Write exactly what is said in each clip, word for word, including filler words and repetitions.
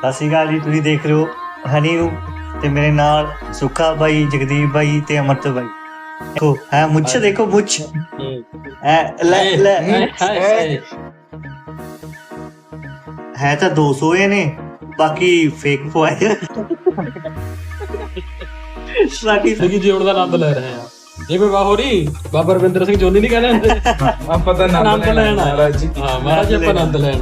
ਸਤਿ ਸ਼੍ਰੀ ਅਕਾਲ ਜੀ। ਤੁਸੀਂ ਦੇਖ ਰਹੇ ਹੋ ਹਨੀ ਨੂੰ ਤੇ ਮੇਰੇ ਨਾਲ ਸੁੱਖਾ ਬਾਈ, ਜਗਦੀਪ ਬਾਈ ਤੇ ਅਮਰਤ ਬਾਈ। ਦੇਖੋ ਹੈ ਮੁੱਛ, ਦੇਖੋ ਮੁੱਛ ਐ ਲੈ ਲੈ ਹੈ ਤਾਂ ਦੋ ਸੌ ਇਹ ਨੇ, ਬਾਕੀ ਫੇਕ ਪਵਾਏ। ਬਾਕੀ ਸਿੰਘ ਜੀਉਣ ਦਾ ਆਨੰਦ ਲੈ ਰਹੇ ਆ। ਜਿਵੇਂ ਬਾਹੋ ਨਹੀਂ ਬਾਬਾ ਰਵਿੰਦਰ ਸਿੰਘ ਜੋਨੀ ਨਹੀਂ ਕਹਿੰਦੇ ਆਪਾਂ ਤਾਂ ਆਨੰਦ ਲੈਣ ਆਏ। ਮਹਾਰਾਜ ਜੀ। ਹਾਂ ਮਹਾਰਾਜ ਜੀ, ਆਪਾਂ ਆਨੰਦ ਲੈਣ।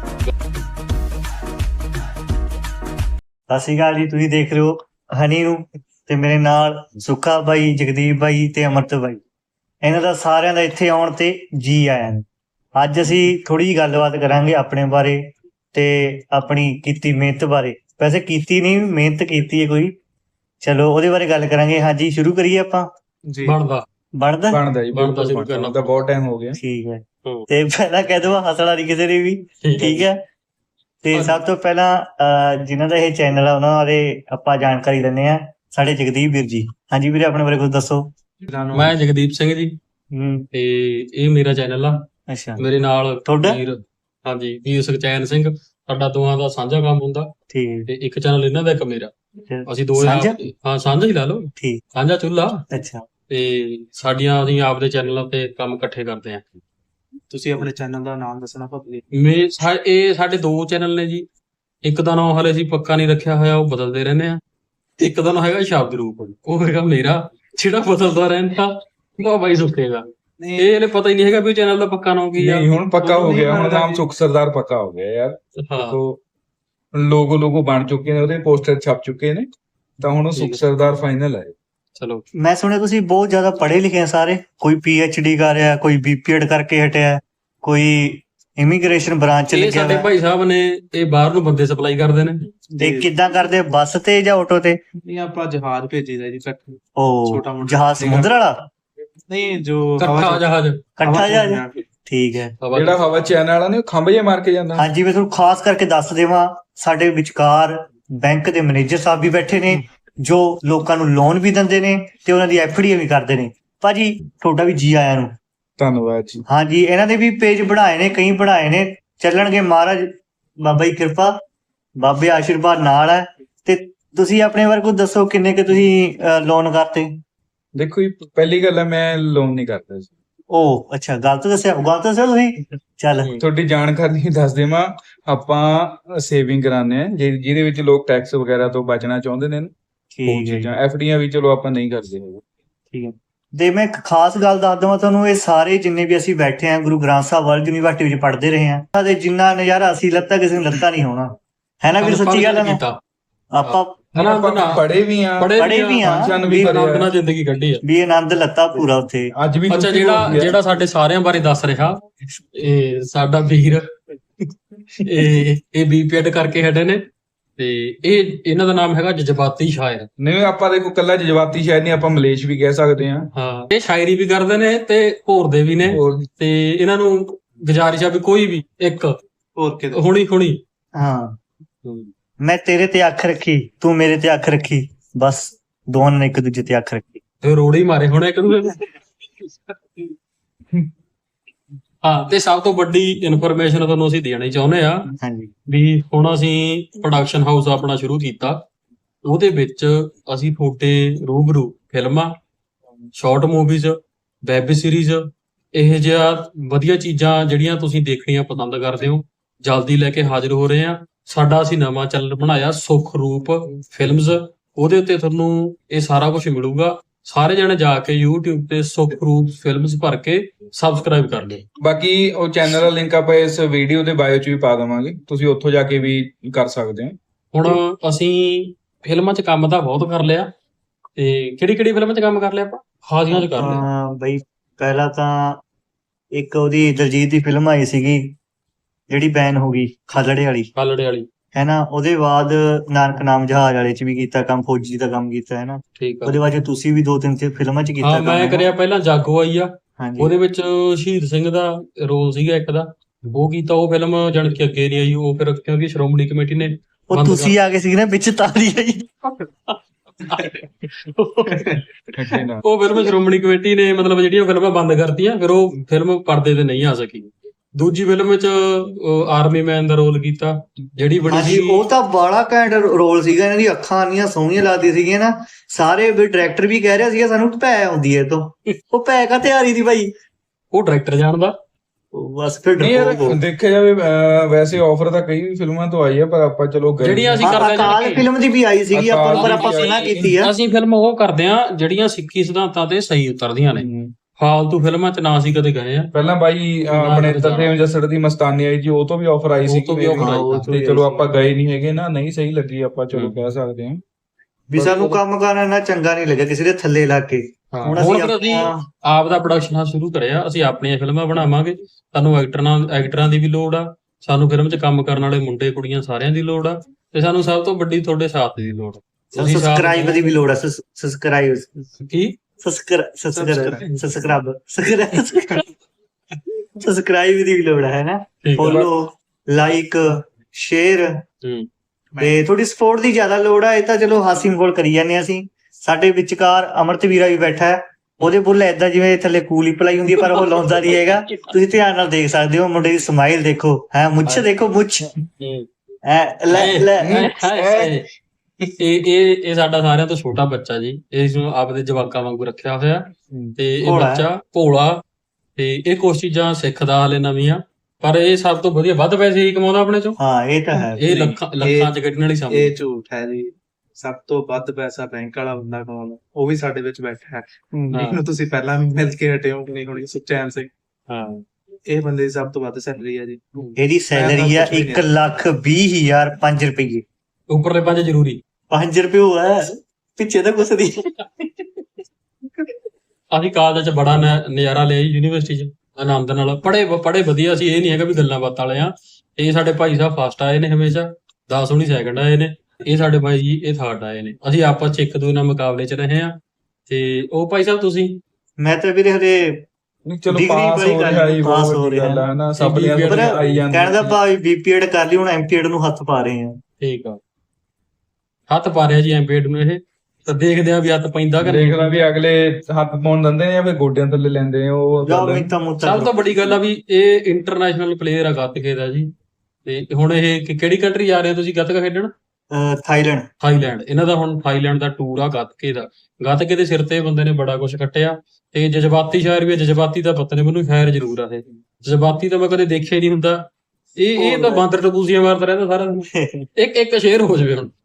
ਸਤਿ ਸ਼੍ਰੀ ਅਕਾਲ ਜੀ। ਤੁਸੀਂ ਦੇਖ ਰਹੇ ਹੋ ਹਨੀ ਨੂੰ ਤੇ ਮੇਰੇ ਨਾਲ ਸੁੱਖਾ ਬਾਈ, ਜਗਦੀਪ ਬਾਈ ਤੇ ਅਮਰਤ ਬਾਈ। ਇਹਨਾਂ ਦਾ ਸਾਰਿਆਂ ਦਾ ਇੱਥੇ ਆਉਣ ਤੇ ਜੀ ਆਇਆਂ ਨੂੰ। ਅੱਜ ਅਸੀਂ ਥੋੜੀ ਜਿਹੀ ਗੱਲਬਾਤ ਕਰਾਂਗੇ ਆਪਣੇ ਬਾਰੇ ਤੇ ਆਪਣੀ ਕੀਤੀ ਮਿਹਨਤ ਬਾਰੇ। ਵੈਸੇ ਕੀਤੀ ਨਹੀਂ, ਮਿਹਨਤ ਕੀਤੀ ਹੈ ਕੋਈ। ਚਲੋ ਉਹਦੇ ਬਾਰੇ ਗੱਲ ਕਰਾਂਗੇ। ਹਾਂਜੀ ਸ਼ੁਰੂ ਕਰੀਏ ਆਪਾਂ। ਜੀ ਬਣਦਾ ਬਣਦਾ ਬਣਦਾ ਜੀ, ਬਣਦਾ ਸ਼ੁਰੂ ਬਣਦਾ ਕਰਨਾ। ਤਾਂ ਬਹੁਤ ਟਾਈਮ ਹੋ ਗਿਆ। ਠੀਕ ਹੈ। ਹੂੰ। ਤੇ ਪਹਿਲਾਂ ਕਹਿ ਦਵਾ ਹਸਣਾ ਨਹੀਂ ਕਿਸੇ ਨੇ ਵੀ, ਠੀਕ ਹੈ। ਤੇ ਹਾਂਜੀ। ਸਭ ਤੋਂ ਪਹਿਲਾਂ ਅਹ ਜਿਨ੍ਹਾਂ ਦਾ ਇਹ ਚੈਨਲ ਆ ਉਹਨਾਂ ਬਾਰੇ ਆਪਾਂ ਜਾਣਕਾਰੀ ਦਿੰਦੇ ਆ। ਸਾਡੇ ਜਗਦੀਪ ਵੀਰ ਜੀ। ਹਾਂਜੀ ਵੀਰੇ, ਆਪਣੇ ਬਾਰੇ ਕੁਝ ਦੱਸੋ। ਮੈਂ ਜਗਦੀਪ ਸਿੰਘ ਜੀ ਹੂੰ। ਤੇ ਇਹ ਮੇਰਾ ਚੈਨਲ ਆ। ਅੱਛਾ ਮੇਰੇ ਨਾਲ ਤੁਹਾਡਾ? ਵੀਰ, ਹਾਂਜੀ ਵੀਰ ਸੁਖਚੈਨ ਸਿੰਘ। ਸਾਡਾ ਦੋਵਾਂ ਦਾ ਸਾਂਝਾ ਕੰਮ ਹੁੰਦਾ ਠੀਕ ਤੇ ਇੱਕ ਚੈਨਲ ਇਹਨਾਂ ਦਾ, ਇੱਕ ਮੇਰਾ। ਹੈ। ਅਸੀਂ ਦੋ ਸਾਂਝਾ? ਆਪ- ਹਾਂ ਸਾਂਝਾ ਹੀ ਲਾ ਲਓ, ਠੀਕ। ਸਾਂਝਾ ਚੁੱਲ੍ਹਾ। ਅੱਛਾ ਤੇ ਸਾਡੀਆਂ ਅਸੀਂ ਆਪਦੇ ਚੈਨਲਾਂ ਤੇ ਕੰਮ ਇਕੱਠੇ ਕਰਦੇ ਆ। ਤੁਸੀਂ ਆਪਣੇ ਚੈਨਲ ਦਾ ਨਾਮ ਦੱਸਣਾ ਭਾਵੇਂ। ਮੇ ਸਾ- ਇਹ ਸਾਡੇ ਦੋ ਚੈਨਲ ਨੇ ਜੀ। ਇੱਕ ਦਾ ਨਾਮ ਹਲੇ ਅਸੀਂ ਪੱਕਾ ਨਹੀਂ ਰੱਖਿਆ ਹੋਇਆ, ਉਹ ਬਦਲਦੇ ਰਹਿੰਦੇ ਆ। ਇੱਕ ਦਾ ਨਾਮ ਹੈਗਾ ਸ਼ਬਦ ਰੂਪ, ਉਹ ਹੈਗਾ ਮੇਰਾ, ਜਿਹੜਾ ਬਦਲਦਾ ਰਹਿੰਦਾ। ਉਹ ਬਾਈ ਸੁੱਕੇਗਾ। ਇਹ ਇਹਨੇ ਪਤਾ ਹੀ ਨਹੀਂ ਹੈਗਾ ਵੀ ਚੈਨਲ ਦਾ ਪੱਕਾ ਨਾਮ ਕੀ ਆ। ਨਹੀਂ ਹੁਣ ਪੱਕਾ ਹੋ ਗਿਆ, ਹੁਣ ਬਣਦਾ ਨਾਮ ਜੀ। ਸੁਖ ਸਰਦਾਰ ਪੱਕਾ ਹੋ ਗਿਆ ਯਾਰ। ਹਾਂ ਦੇਖੋ ਲੋਗੋ ਲੋਗੋ ਬਣ ਚੁੱਕੇ ਨੇ, ਉਹਦੇ ਪੋਸਟਰ ਛਪ ਚੁੱਕੇ ਨੇ, ਤਾਂ ਹੁਣ ਉਹ ਠੀਕ ਸੁਖ ਹੈ। ਸਰਦਾਰ ਫਾਈਨਲ ਹੈ। ਚਲੋ। ਮੈਂ ਸੁਣਿਆ ਤੁਸੀਂ ਬਹੁਤ ਜ਼ਿਆਦਾ ਪੜ੍ਹੇ ਲਿਖੇ ਆ ਸਾਰੇ। ਕੋਈ ਪੀ ਐਚ ਡੀ ਕਰ ਰਿਹਾ, ਕੋਈ ਬੀ ਪੀ ਐਡ ਕਰਕੇ ਹਟਿਆ, ਕੋਈ ਇਮੀਗ੍ਰੇਸ਼ਨ ਬ੍ਰਾਂਚ ਚ ਇਹ ਲੱਗਿਆ ਸਾਡੇ ਹੋਇਆ। ਭਾਈ ਸਾਹਿਬ ਨੇ, ਇਹ ਬਾਹਰ ਨੂੰ ਬੰਦੇ ਸਪਲਾਈ ਕਰਦੇ ਨੇ। ਤੇ ਕਿੱਦਾਂ ਕਰਦੇ, ਬੱਸ ਤੇ ਜਾਂ ਆਟੋ ਤੇ? ਨਹੀਂ ਆਪਾਂ ਜਹਾਜ਼ ਭੇਜੀਦਾ ਜੀ ਤੱਕ। ਉਹ ਛੋਟਾ ਮੋਟਾ ਜਹਾਜ਼ ਸਮੁੰਦਰ ਵਾਲਾ, ਨਹੀਂ ਜੋ ਇਕੱਠਾ ਜਹਾਜ਼। ਇਕੱਠਾ ਜਹਾਜ਼। ਠੀਕ ਹੈ। ਹਵਾ ਜਿਹੜਾ ਹਵਾ ਚੈਨ ਵਾਲਾ ਨੇ ਉਹ ਖੰਭ ਜੇ ਮਾਰ ਕੇ ਜਾਂਦਾ। ਹਾਂਜੀ ਮੈਂ ਤੁਹਾਨੂੰ ਖਾਸ ਕਰਕੇ ਦੱਸ ਦੇਵਾਂ, ਸਾਡੇ ਵਿਚਕਾਰ ਬੈਂਕ ਦੇ ਮੈਨੇਜਰ ਸਾਹਿਬ ਵੀ ਬੈਠੇ ਨੇ, ਜੋ ਲੋਕਾਂ ਨੂੰ ਲੋਨ ਵੀ ਦਿੰਦੇ ਨੇ ਤੇ ਉਹਨਾਂ ਦੀ ਐਫ ਡੀ ਵੀ ਕਰਦੇ ਨੇ। ਭਾਜੀ ਤੁਹਾਡਾ ਵੀ ਜੀ ਆਇਆਂ ਨੂੰ। ਧੰਨਵਾਦ ਜੀ। ਹਾਂਜੀ ਇਹਨਾਂ ਦੇ ਵੀ ਪੇਜ ਬਣਾਏ ਨੇ, ਕਈ ਬਣਾਏ ਨੇ, ਚੱਲਣਗੇ। ਮਹਾਰਾਜ ਬਾਬਾ ਜੀ ਕਿਰਪਾ, ਬਾਬੇ ਆਸ਼ੀਰਵਾਦ ਨਾਲ ਹੈ। ਤੇ ਤੁਸੀਂ ਆਪਣੇ ਬਾਰੇ ਕੁਝ ਦੱਸੋ, ਕਿੰਨੇ ਕਿ ਤੁਸੀਂ ਲੋਨ ਕਰਤੇ? ਦੇਖੋ ਜੀ, ਪਹਿਲੀ ਗੱਲ ਹੈ ਮੈਂ ਲੋਨ ਨਹੀਂ ਕਰਦਾ ਸੀ। ਉਹ ਅੱਛਾ, ਗਲਤ ਦੱਸਿਆ, ਗਲਤ ਦੱਸਿਆ ਤੁਸੀਂ। ਚੱਲ ਤੁਹਾਡੀ ਜਾਣਕਾਰੀ ਦੱਸ ਦੇਵਾਂ, ਆਪਾਂ ਸੇਵਿੰਗ ਕਰਾਉਂਦੇ ਆ ਜਿਹ- ਜਿਹਦੇ ਵਿੱਚ ਲੋਕ ਟੈਕਸ ਵਗੈਰਾ ਤੋਂ ਬਚਣਾ ਚਾਹੁੰਦੇ ਨੇ ਨਾ, ਉਹ ਠੀਕ ਹੈ ਜੀ, ਚੀਜ਼ਾਂ। ਐਫ ਡੀਆਂ ਵੀ ਚਲੋ ਆਪਾਂ ਨਹੀਂ ਕਰਦੇ ਹੈਗੇ। ਠੀਕ ਹੈ। ਤੇ ਮੈਂ ਇੱਕ ਖਾਸ ਗੱਲ ਦੱਸ ਦਵਾਂ ਤੁਹਾਨੂੰ, ਇਹ ਸਾਰੇ ਜਿੰਨੇ ਵੀ ਅਸੀਂ ਬੈਠੇ ਆ ਗੁਰੂ ਗ੍ਰੰਥ ਸਾਹਿਬ ਵਰਲਡ ਯੂਨੀਵਰਸਿਟੀ ਵਿੱਚ ਪੜ੍ਹਦੇ ਰਹੇ ਆ। ਸਾਡੇ ਜਿੰਨਾ ਨਜ਼ਾਰਾ ਅਸੀਂ ਲੱਤਾ, ਕਿਸੇ ਨੂੰ ਲੱਤਾ ਨਹੀਂ ਹੋਣਾ, ਹੈ ਨਾ ਵੀਰ? ਸੱਚੀ ਗੱਲ ਹੈ ਨਾ। ਕੀਤਾ। ਆਪਾਂ ਆਨੰਦ ਆਪਾਂ ਨਾਲ ਪੜ੍ਹੇ ਵੀ ਆ, ਪੜ੍ਹੇ ਪੜ੍ਹੇ ਵੀ ਆ, ਫੰਕਸ਼ਨ ਵੀ ਵੀ ਆਨੰਦ ਕਰਿਆ, ਨਾਲ ਜ਼ਿੰਦਗੀ ਕੱਢੀ ਆ। ਵੀ ਆਨੰਦ ਲੱਤਾ ਪੂਰਾ ਉੱਥੇ। ਅੱਜ ਵੀ ਅੱਛਾ, ਛੁੱਟੀ ਜਿਹੜਾ ਹੋ ਗਈ ਆ। ਜਿਹੜਾ ਸਾਡੇ ਸਾਰਿਆਂ ਬਾਰੇ ਦੱਸ ਰਿਹਾ, ਇਹ ਸਾਡਾ ਵੀਰ, ਇਹ ਇਹ ਬੀਪੀਐਡ ਕਰਕੇ ਹਟੇ ਨੇ। ਤੇ ਇਹ ਇਹਨਾਂ ਦਾ ਨਾਮ ਹੈਗਾ ਜਜ਼ਬਾਤੀ ਸ਼ਾਇਰ। ਨਹੀਂ ਆਪਾਂ ਦੇਖੋ ਕੱਲਾ ਜਜ਼ਬਾਤੀ ਸ਼ਾਇਦ ਨਹੀਂ, ਆਪਾਂ ਮਲੇਸ਼ ਵੀ ਕਹਿ ਸਕਦੇ ਹਾਂ। ਹਾਂ, ਇਹ ਸ਼ਾਇਰੀ ਵੀ ਕਰਦੇ ਨੇ ਤੇ ਘੋਰਦੇ ਵੀ ਨੇ। ਹੋਰ ਤੇ ਇਹਨਾਂ ਨੂੰ ਗੁਜ਼ਾਰਿਸ਼ ਆ ਵੀ ਕੋਈ ਵੀ ਇੱਕ ਹੋਰ ਕਿਤੇ ਹੁਣੀ ਹੁਣੀ ਹਾਂ, ਮੈਂ ਤੇਰੇ ਤੇ ਅੱਖ ਰੱਖੀ, ਤੂੰ ਮੇਰੇ ਤੇ ਅੱਖ ਰੱਖੀ, ਬਸ ਦੋਵਾਂ ਨੇ ਇੱਕ ਦੂਜੇ ਤੇ ਅੱਖ ਰੱਖੀ। ਤੇ ਰੋੜੇ ਹੀ ਮਾਰੇ ਹੁਣ ਇੱਕ ਦੂਜੇ ਨੂੰ। ਹਾਂ, ਤੇ ਸਭ ਤੋਂ ਵੱਡੀ ਇਨਫੋਰਮੇਸ਼ਨ ਤੁਹਾਨੂੰ ਅਸੀਂ ਦੇਣੀ ਚਾਹੁੰਦੇ ਆ ਹਾਂਜੀ ਵੀ ਹੁਣ ਅਸੀਂ ਪ੍ਰੋਡਕਸ਼ਨ ਹਾਊਸ ਆਪਣਾ ਸ਼ੁਰੂ ਕੀਤਾ। ਉਹਦੇ ਵਿੱਚ ਅਸੀਂ ਤੁਹਾਡੇ ਰੂਬਰੂ ਫਿਲਮਾਂ, ਸ਼ਾਰਟ ਮੂਵੀਜ਼, ਵੈਬ ਸੀਰੀਜ਼, ਇਹ ਜਿਹਾ ਵਧੀਆ ਚੀਜ਼ਾਂ ਜਿਹੜੀਆਂ ਤੁਸੀਂ ਦੇਖਣੀਆਂ ਪਸੰਦ ਕਰਦੇ ਹੋ, ਜਲਦੀ ਲੈ ਕੇ ਹਾਜ਼ਰ ਹੋ ਰਹੇ ਆ। ਸਾਡਾ ਅਸੀਂ ਨਵਾਂ ਚੈਨਲ ਬਣਾਇਆ ਸੁਖ ਰੂਪ ਫਿਲਮਜ਼। ਉਹਦੇ ਉੱਤੇ ਤੁਹਾਨੂੰ ਇਹ ਸਾਰਾ ਕੁਝ ਮਿਲੂਗਾ। ਸਾਰੇ ਜਣੇ ਜਾ ਕੇ YouTube ਤੇ ਸੁਖ ਰੂਪ ਫਿਲਮਜ਼ ਭਰ ਕੇ ਸਬਸਕ੍ਰਾਈਬ ਕਰ ਲਿਓ। ਬਾਕੀ ਉਹ ਚੈਨਲ ਦਾ ਲਿੰਕ ਆਪਾਂ ਇਸ ਵੀਡੀਓ ਦੇ ਬਾਇਓ 'ਚ ਵੀ ਪਾ ਦੇਵਾਂਗੇ, ਤੁਸੀਂ ਉੱਥੋਂ ਜਾ ਕੇ ਵੀ ਕਰ ਸਕਦੇ ਹੋ। ਹੁਣ ਅਸੀਂ ਫਿਲਮਾਂ 'ਚ ਕੰਮ ਤਾਂ ਬਹੁਤ ਕਰ ਲਿਆ। ਤੇ ਕਿਹੜੀ ਕਿਹੜੀ ਫਿਲਮਾਂ 'ਚ ਕੰਮ ਕਰ ਲਿਆ ਆਪਾਂ? ਹਾਜ਼ੀਆਂ 'ਚ ਕਰ ਲਿਆ। ਹਾਂ ਬਈ, ਪਹਿਲਾਂ ਤਾਂ ਇੱਕ ਉਹਦੀ ਦਲਜੀਤ ਦੀ ਫਿਲਮ ਆਈ ਸੀਗੀ ਜਿਹੜੀ ਬੈਨ ਹੋ ਗਈ, ਖਾਲੜੇ ਵਾਲੀ, ਕਾਲੜੇ ਵਾਲੀ। ਹੈ ਨਾ। ਉਹਦੇ ਬਾਅਦ ਨਾਨਕ ਨਾਮ ਜਹਾਜ਼ ਵਾਲੇ ਚ ਵੀ ਕੀਤਾ ਕੰਮ, ਫੌਜੀ ਦਾ ਕੰਮ ਕੀਤਾ, ਹੈ ਨਾ। ਠੀਕ ਆ। ਉਹਦੇ ਬਾਅਦ 'ਚ ਤੁਸੀਂ ਵੀ ਦੋ ਤਿੰਨ ਤੇ ਫਿਲਮਾਂ ਚ ਕੀਤਾ ਹਾਂ, ਕੰਮ, ਮੈਂ ਹੈ ਨਾ? ਕਰਿਆ ਪਹਿਲਾਂ ਜਾਗੋ ਆਈ ਆ, ਹਾਂਜੀ ਉਹਦੇ ਵਿੱਚ ਸ਼ਹੀਦ ਸਿੰਘ ਦਾ ਰੋਲ ਸੀਗਾ ਇੱਕ ਦਾ, ਉਹ ਕੀਤਾ। ਉਹ ਫਿਲਮ ਜਾਣ ਕੇ ਅੱਗੇ ਨਹੀਂ ਆਈ, ਉਹ ਫਿਰ ਕਿਉਂਕਿ ਸ਼੍ਰੋਮਣੀ ਕਮੇਟੀ ਨੇ ਉਹ ਬੰਦ ਤੁਸੀਂ ਆ ਗਏ ਸੀ ਨਾ ਵਿੱਚ, ਤਾਰੀ ਆਈ। ਠੱਡੇ ਨਾਲ। ਉਹ ਫਿਲਮ ਸ਼੍ਰੋਮਣੀ ਕਮੇਟੀ ਨੇ ਮਤਲਬ ਜਿਹੜੀਆਂ ਫਿਲਮਾਂ ਬੰਦ ਕਰਤੀਆਂ, ਫਿਰ ਉਹ ਫਿਲਮ ਪਰਦੇ ਤੇ ਨਹੀਂ ਆ ਸਕੀ। ਦੂਜੀ ਫਿਲਮ ਵਿੱਚ ਆਰਮੀ ਮੈਨ ਦਾ ਰੋਲ ਕੀਤਾ, ਜਿਹੜੀ ਬੜੀ ਹਾਂਜੀ ਸੀ ਉਹ ਤਾਂ ਬਾਲਾ ਘੈਂਟ ਰੋਲ ਸੀਗਾ। ਇਹਨਾਂ ਦੀ ਅੱਖਾਂ ਇੰਨੀਆਂ ਸੋਹਣੀਆਂ ਲੱਗਦੀਆਂ ਸੀਗੀਆਂ ਨਾ, ਸਾਰੇ ਵੀ ਡਾਇਰੈਕਟਰ ਵੀ ਕਹਿ ਰਿਹਾ ਸੀਗਾ ਸਾਨੂੰ ਭੈ ਆਉਂਦੀ ਹੈ ਇਹ ਤੋਂ। ਉਹ ਭੈ ਕਾਹਤੇ ਆ ਰਹੀ ਸੀ ਭਾਈ? ਉਹ ਡਾਇਰੈਕਟਰ ਜਾਣਦਾ। ਉਹ ਬਸ ਫਿਰ ਨਹੀਂ ਯਾਰ ਡਰਪੋਕ ਹੋ। ਦੇਖਿਆ ਜਾਵੇ ਅਹ, ਵੈਸੇ ਆਫਰ ਤਾਂ ਕਈ ਫਿਲਮਾਂ ਤੋਂ ਆਈ ਹੈ, ਪਰ ਆਪਾਂ ਚਲੋ ਗਏ ਜਿਹੜੀਆਂ ਅਸੀਂ ਹਾਂ, ਕਰਦੇ ਅਕਾਲ ਜਾਣੀ ਫਿਲਮ ਦੀ ਵੀ ਆਈ ਸੀਗੀ ਆਪਾਂ ਨੂੰ, ਪਰ ਆਪਾਂ ਅਕਾਲ ਦੀ ਸੁਣਾ ਆਈ। ਕੀਤੀ ਆ। ਅਸੀਂ ਫਿਲਮ ਉਹ ਕਰਦੇ ਆ ਜਿਹੜੀਆਂ ਸਿੱਖੀ ਸਿਧਾਂਤਾਂ ਤੇ ਸਹੀ ਉਤਰਦੀਆਂ ਨੇ। ਹਮ। ਫਾਲਤੂ ਫਿਲਮਾਂ 'ਚ ਨਾ ਅਸੀਂ ਕਦੇ ਗਏ ਆ। ਪਹਿਲਾਂ ਬਾਈ ਅਹ, ਨਾ ਆਪਣੇ ਕਦੇ ਤਰਸੇਮ ਜੱਸੜ ਦੀ ਮਸਤਾਨੀ ਆਈ ਜੀ, ਉਹ ਤੋਂ ਵੀ ਆਫਰ ਆਈ ਉਹ ਸੀ ਤੋਂ ਵੀ offer ਆਈ ਤੇ ਚਲੋ ਆਪਾਂ ਗਏ ਨਹੀਂ ਹੈਗੇ ਨਾ, ਨਹੀਂ ਸਹੀ ਲੱਗੀ, ਆਪਾਂ ਚਲੋ ਹਮ। ਕਹਿ ਸਕਦੇ ਹਾਂ। ਵੀ ਸਾਨੂੰ ਕੰਮ ਕਰਨਾ ਨਾ ਚੰਗਾ ਨਹੀਂ ਲੱਗਿਆ ਕਿਸੇ ਦੇ ਥੱਲੇ ਲੱਗ ਕੇ। ਹਾਂ, ਹੁਣ ਹੁਣ ਅਸੀਂ ਫਿਰ ਅਸੀਂ ਆਪਣਾ- ਆਪ ਦਾ ਪ੍ਰੋਡਕਸ਼ਨ ਹਾਊਸ ਸ਼ੁਰੂ ਕਰਿਆ। ਅਸੀਂ ਆਪਣੀਆਂ ਫਿਲਮਾਂ ਬਣਾਵਾਂਗੇ। ਸਾਨੂੰ ਐਕਟਰਾਂ ਐਕਟਰਾਂ ਦੀ ਵੀ ਲੋੜ ਆ, ਸਾਨੂੰ ਫਿਲਮ 'ਚ ਕੰਮ ਕਰਨ ਵਾਲੇ ਮੁੰਡੇ ਕੁੜੀਆਂ ਸਾਰਿਆਂ ਦੀ ਲੋੜ ਆ, ਤੇ ਸਾਨੂੰ ਸਭ ਤੋਂ ਵੱਡੀ ਤੁਹਾਡੇ ਸਾਥ ਦੀ ਲੋੜ ਆ। ਤੁਸੀਂ ਸਾਥ ਸਬਸਕ੍ਰਾਈਬ ਦੀ ਵੀ ਲੋੜ ਆ। ਸਬਸਕ੍ਰਾਈਬ ਕੀ ਸਬਸਕ੍ਰਾਈਬ ਸਬਸਕ੍ਰਾਈਬ ਸਬਸਕ੍ਰਾਈਬ ਦੀ ਵੀ ਲੋੜ ਹੈ ਨਾ। ਠੀਕ ਆ। ਫੋਲੋ, ਲਾਈਕ, ਸ਼ੇਅਰ ਹੂੰ। ਤੇ ਥੋੜੀ ਸਪੋਰਟ ਦੀ ਜ਼ਿਆਦਾ ਲੋੜ ਆ। ਇਹ ਤਾਂ ਚਲੋ ਹਾਸੀ ਮਖੌਲ ਕਰੀ ਜਾਂਦੇ ਹਾਂ ਅਸੀਂ। ਸਾਡੇ ਵਿਚਕਾਰ ਅਮਰਤ ਵੀਰਾ ਵੀ ਬੈਠਾ ਹੈ। ਉਹਦੇ ਬੁੱਲ ਏਦਾਂ ਜਿਵੇਂ ਥੱਲੇ ਕੂਲੀ ਪਲਾਈ ਹੁੰਦੀ ਹੈ, ਪਰ ਉਹ ਲਾਉਂਦਾ ਨਹੀਂ ਹੈਗਾ। ਤੁਸੀਂ ਧਿਆਨ ਨਾਲ ਦੇਖ ਸਕਦੇ ਹੋ। ਮੁੰਡੇ ਦੀ ਸਮਾਈਲ ਦੇਖੋ, ਹੈ ਮੁੱਛ ਦੇਖੋ, ਮੁੱਛ ਹੂੰ। ਐ ਲੈ ਲੈ ਇਹ ਇਹ ਇਹ ਸਾਡਾ ਸਾਰਿਆਂ ਤੋਂ ਛੋਟਾ ਬੱਚਾ ਜੀ। ਇਸ ਨੂੰ ਆਪਦੇ ਜਵਾਕਾਂ ਵਾਂਗੂ ਰੱਖਿਆ ਹੋਇਆ, ਤੇ ਇਹ ਭੋਲਾ ਹੈ। ਬੱਚਾ ਭੋਲਾ, ਤੇ ਇਹ ਕੁਛ ਚੀਜ਼ਾਂ ਸਿੱਖਦਾ ਹਲੇ ਨਵੀਆਂ, ਪਰ ਇਹ ਸਭ ਤੋਂ ਵਧੀਆ ਵੱਧ ਪੈਸੇ ਹੀ ਕਮਾਉਂਦਾ ਆਪਣੇ ਚੋਂ। ਹਾਂ ਇਹ ਤਾਂ ਹੈ। ਇਹ ਲੱਖਾਂ ਲੱਖਾਂ ਚ ਕੱਢਣ ਵਾਲੀ ਸਮਝ। ਇਹ ਝੂਠ ਹੈ ਜੀ। ਸਭ ਤੋਂ ਵੱਧ ਪੈਸਾ ਬੈਂਕ ਵਾਲਾ ਬੰਦਾ ਕਮਾਉਂਦਾ, ਉਹ ਵੀ ਸਾਡੇ ਵਿੱਚ ਬੈਠਾ ਹੈ। ਹਾਂ। ਇਹਨੂੰ ਤੁਸੀਂ ਪਹਿਲਾਂ ਵੀ ਮਿਲ ਕੇ ਹਟੇ ਹੋ ਕਿ ਨਹੀਂ ਹੋਣੀ ਸੁਖਚੈਨ ਸਿੰਘ। ਹਾਂ। ਇਹ ਬੰਦੇ ਦੀ ਸਭ ਤੋਂ ਵੱਧ ਸੈਲਰੀ ਹੈ ਜੀ। ਇਹਦੀ ਸੈਲਰੀ ਆ ਕੁਛ ਵੀ ਇੱਕ ਲੱਖ ਵੀਹ ਹਜ਼ਾਰ ਪੰਜ ਰੁਪਏ। ਉੱਪਰਲੇ ਪੰਜ ਜ਼ਰੂਰੀ। ਪੰਜ ਰੁਪਏ ਹੋਇਆ ਪਿੱਛੇ ਤਾਂ ਕੁਛ ਦੀ। ਅਸੀਂ ਕਾਲਜ ਚ ਬੜਾ ਨ- ਨਜ਼ਾਰਾ ਲਿਆ ਜੀ, ਯੂਨੀਵਰਸਿਟੀ ਚ ਆਨੰਦ ਨਾਲ ਪੜੇ ਪੜੇ ਵਧੀਆ ਸੀ। ਇਹ ਨਹੀਂ ਹੈਗਾ ਵੀ ਗੱਲਾਂ ਬਾਤਾਂ ਵਾਲੇ ਆ। ਇਹ ਸਾਡੇ ਭਾਈ ਸਾਹਿਬ ਫਸਟ ਆਏ ਨੇ ਹਮੇਸ਼ਾ, ਦਸ ਹੁਣੀ ਸੈਕੰਡ ਆਏ ਨੇ। ਇਹ ਸਾਡੇ ਭਾਈ ਜੀ ਇਹ ਥਰਡ ਆਏ ਨੇ। ਅਸੀਂ ਆਪਸ ਚ ਇੱਕ ਦੂਜੇ ਨਾਲ ਮੁਕਾਬਲੇ ਚ ਰਹੇ ਆ। ਤੇ ਉਹ ਭਾਈ ਸਾਹਿਬ ਤੁਸੀਂ ਮੈਂ ਤਾਂ ਵੀਰੇ ਹਲੇ ਨਹੀਂ ਚਲੋ Degree ਪਾਸ ਵਾਲੀ ਹੋ ਗੱਲ, ਰਿਹਾ ਜੀ, ਪਾਸ ਬਹੁਤ ਹੋ ਵੱਡੀ ਗੱਲ ਰਿਹਾ। ਹੈ ਨਾ, ਸਭ ਇਹ ਦੀਆਂ B P ਸਭ ਆਈ ਜਾਂਦੀ ਕਹਿਣ ਦਾ ਭਾਵੇਂ ਬੀਪੀਐਡ ਕਰ ਲਈ, ਹੁਣ ਐਮਪੀਐਡ ਨੂੰ ਹੱਥ ਪਾ ਰਹੇ ਆ। ਠੀਕ ਆ, ਹੱਥ ਪਾ ਰਿਹਾ ਜੀ ਐਮਪੀਐਡ ਨੂੰ। ਇਹ ਤਾਂ ਦੇਖਦੇ ਆ ਵੀ ਹੱਥ ਪੈਂਦਾ ਕਿ ਦੇਖ ਲਾ ਵੀ ਅਗਲੇ ਹੱਥ ਪਾਉਣ ਦਿੰਦੇ ਨੇ ਜਾਂ ਫਿਰ ਗੋਡਿਆਂ ਥੱਲੇ ਲੈਂਦੇ ਨੇ, ਉਹ ਜਾਓ ਗੱਲ ਹੈ। ਮਿੰਤਾ ਮੁੱਤਾ ਸਭ ਤੋਂ ਵੱਡੀ ਗੱਲ ਆ ਵੀ ਇਹ ਇੰਟਰਨੈਸ਼ਨਲ ਪਲੇਅਰ ਆ ਗੱਤਕੇ ਦਾ ਜੀ। ਤੇ ਹੁਣ ਇਹ ਕਿ- ਕਿਹੜੀ ਕੰਟਰੀ ਜਾ ਰਹੇ ਹੋ ਤੁਸੀਂ ਗੱਤਕਾ ਖੇਡਣ? ਥਾਈਲੈਂਡ। ਥਾਈਲੈਂਡ। ਇਹਨਾਂ ਦਾ ਹੁਣ ਥਾਈਲੈਂਡ ਦਾ ਟੂਰ ਆ ਗੱਤਕੇ ਦਾ। ਗੱਤਕੇ ਦੇ ਸਿਰ ਤੇ ਬੰਦੇ ਨੇ ਬੜਾ ਕੁਝ ਕੱਟਿਆ। ਤੇ ਜਜ਼ਬਾਤੀ ਸ਼ਾਇਰ ਵੀ ਆ। ਜਜ਼ਬਾਤੀ ਤਾਂ ਪਤਾ ਨਹੀਂ ਮੈਨੂੰ, ਸ਼ਾਇਰ ਜ਼ਰੂਰ ਆ ਇਹ। ਜਜ਼ਬਾਤੀ ਤਾਂ ਮੈਂ ਕਦੇ ਦੇਖਿਆ ਹੀ ਨਹੀਂ ਹੁੰਦਾ। ਇਹ ਇਹ ਤਾਂ ਬਾਂਦਰ ਟਪੂਸੀਆਂ ਮਾਰਦਾ ਰਹਿੰਦਾ ਸਾਰਾ ਦਿਨ। ਇੱਕ ਇੱਕ ਸ਼ੇਰ ਹੋ ਜਾਵੇ ਹੁਣ।